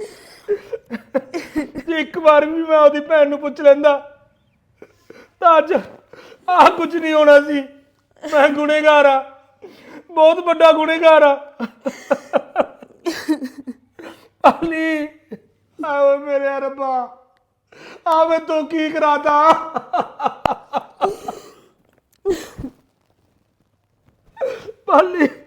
S1: ਜੇ ਇੱਕ ਵਾਰ ਵੀ ਮੈਂ ਉਹਦੀ ਭੈਣ ਨੂੰ ਪੁੱਛ ਲੈਂਦਾ ਤਾਂ ਅੱਜ ਆਹ ਕੁਝ ਨਹੀਂ ਹੋਣਾ ਸੀ। ਮੈਂ ਗੁਨੇਗਾਰ ਆ, ਬਹੁਤ ਵੱਡਾ ਗੁਨੇਗਾਰ ਆ। ਪਾਲੀ ਆਓ ਮੇਰੇ ਰੱਬਾ, ਆਵੇ ਤੂੰ ਕੀ ਕਰਾਤਾ। ਪਾਲੀ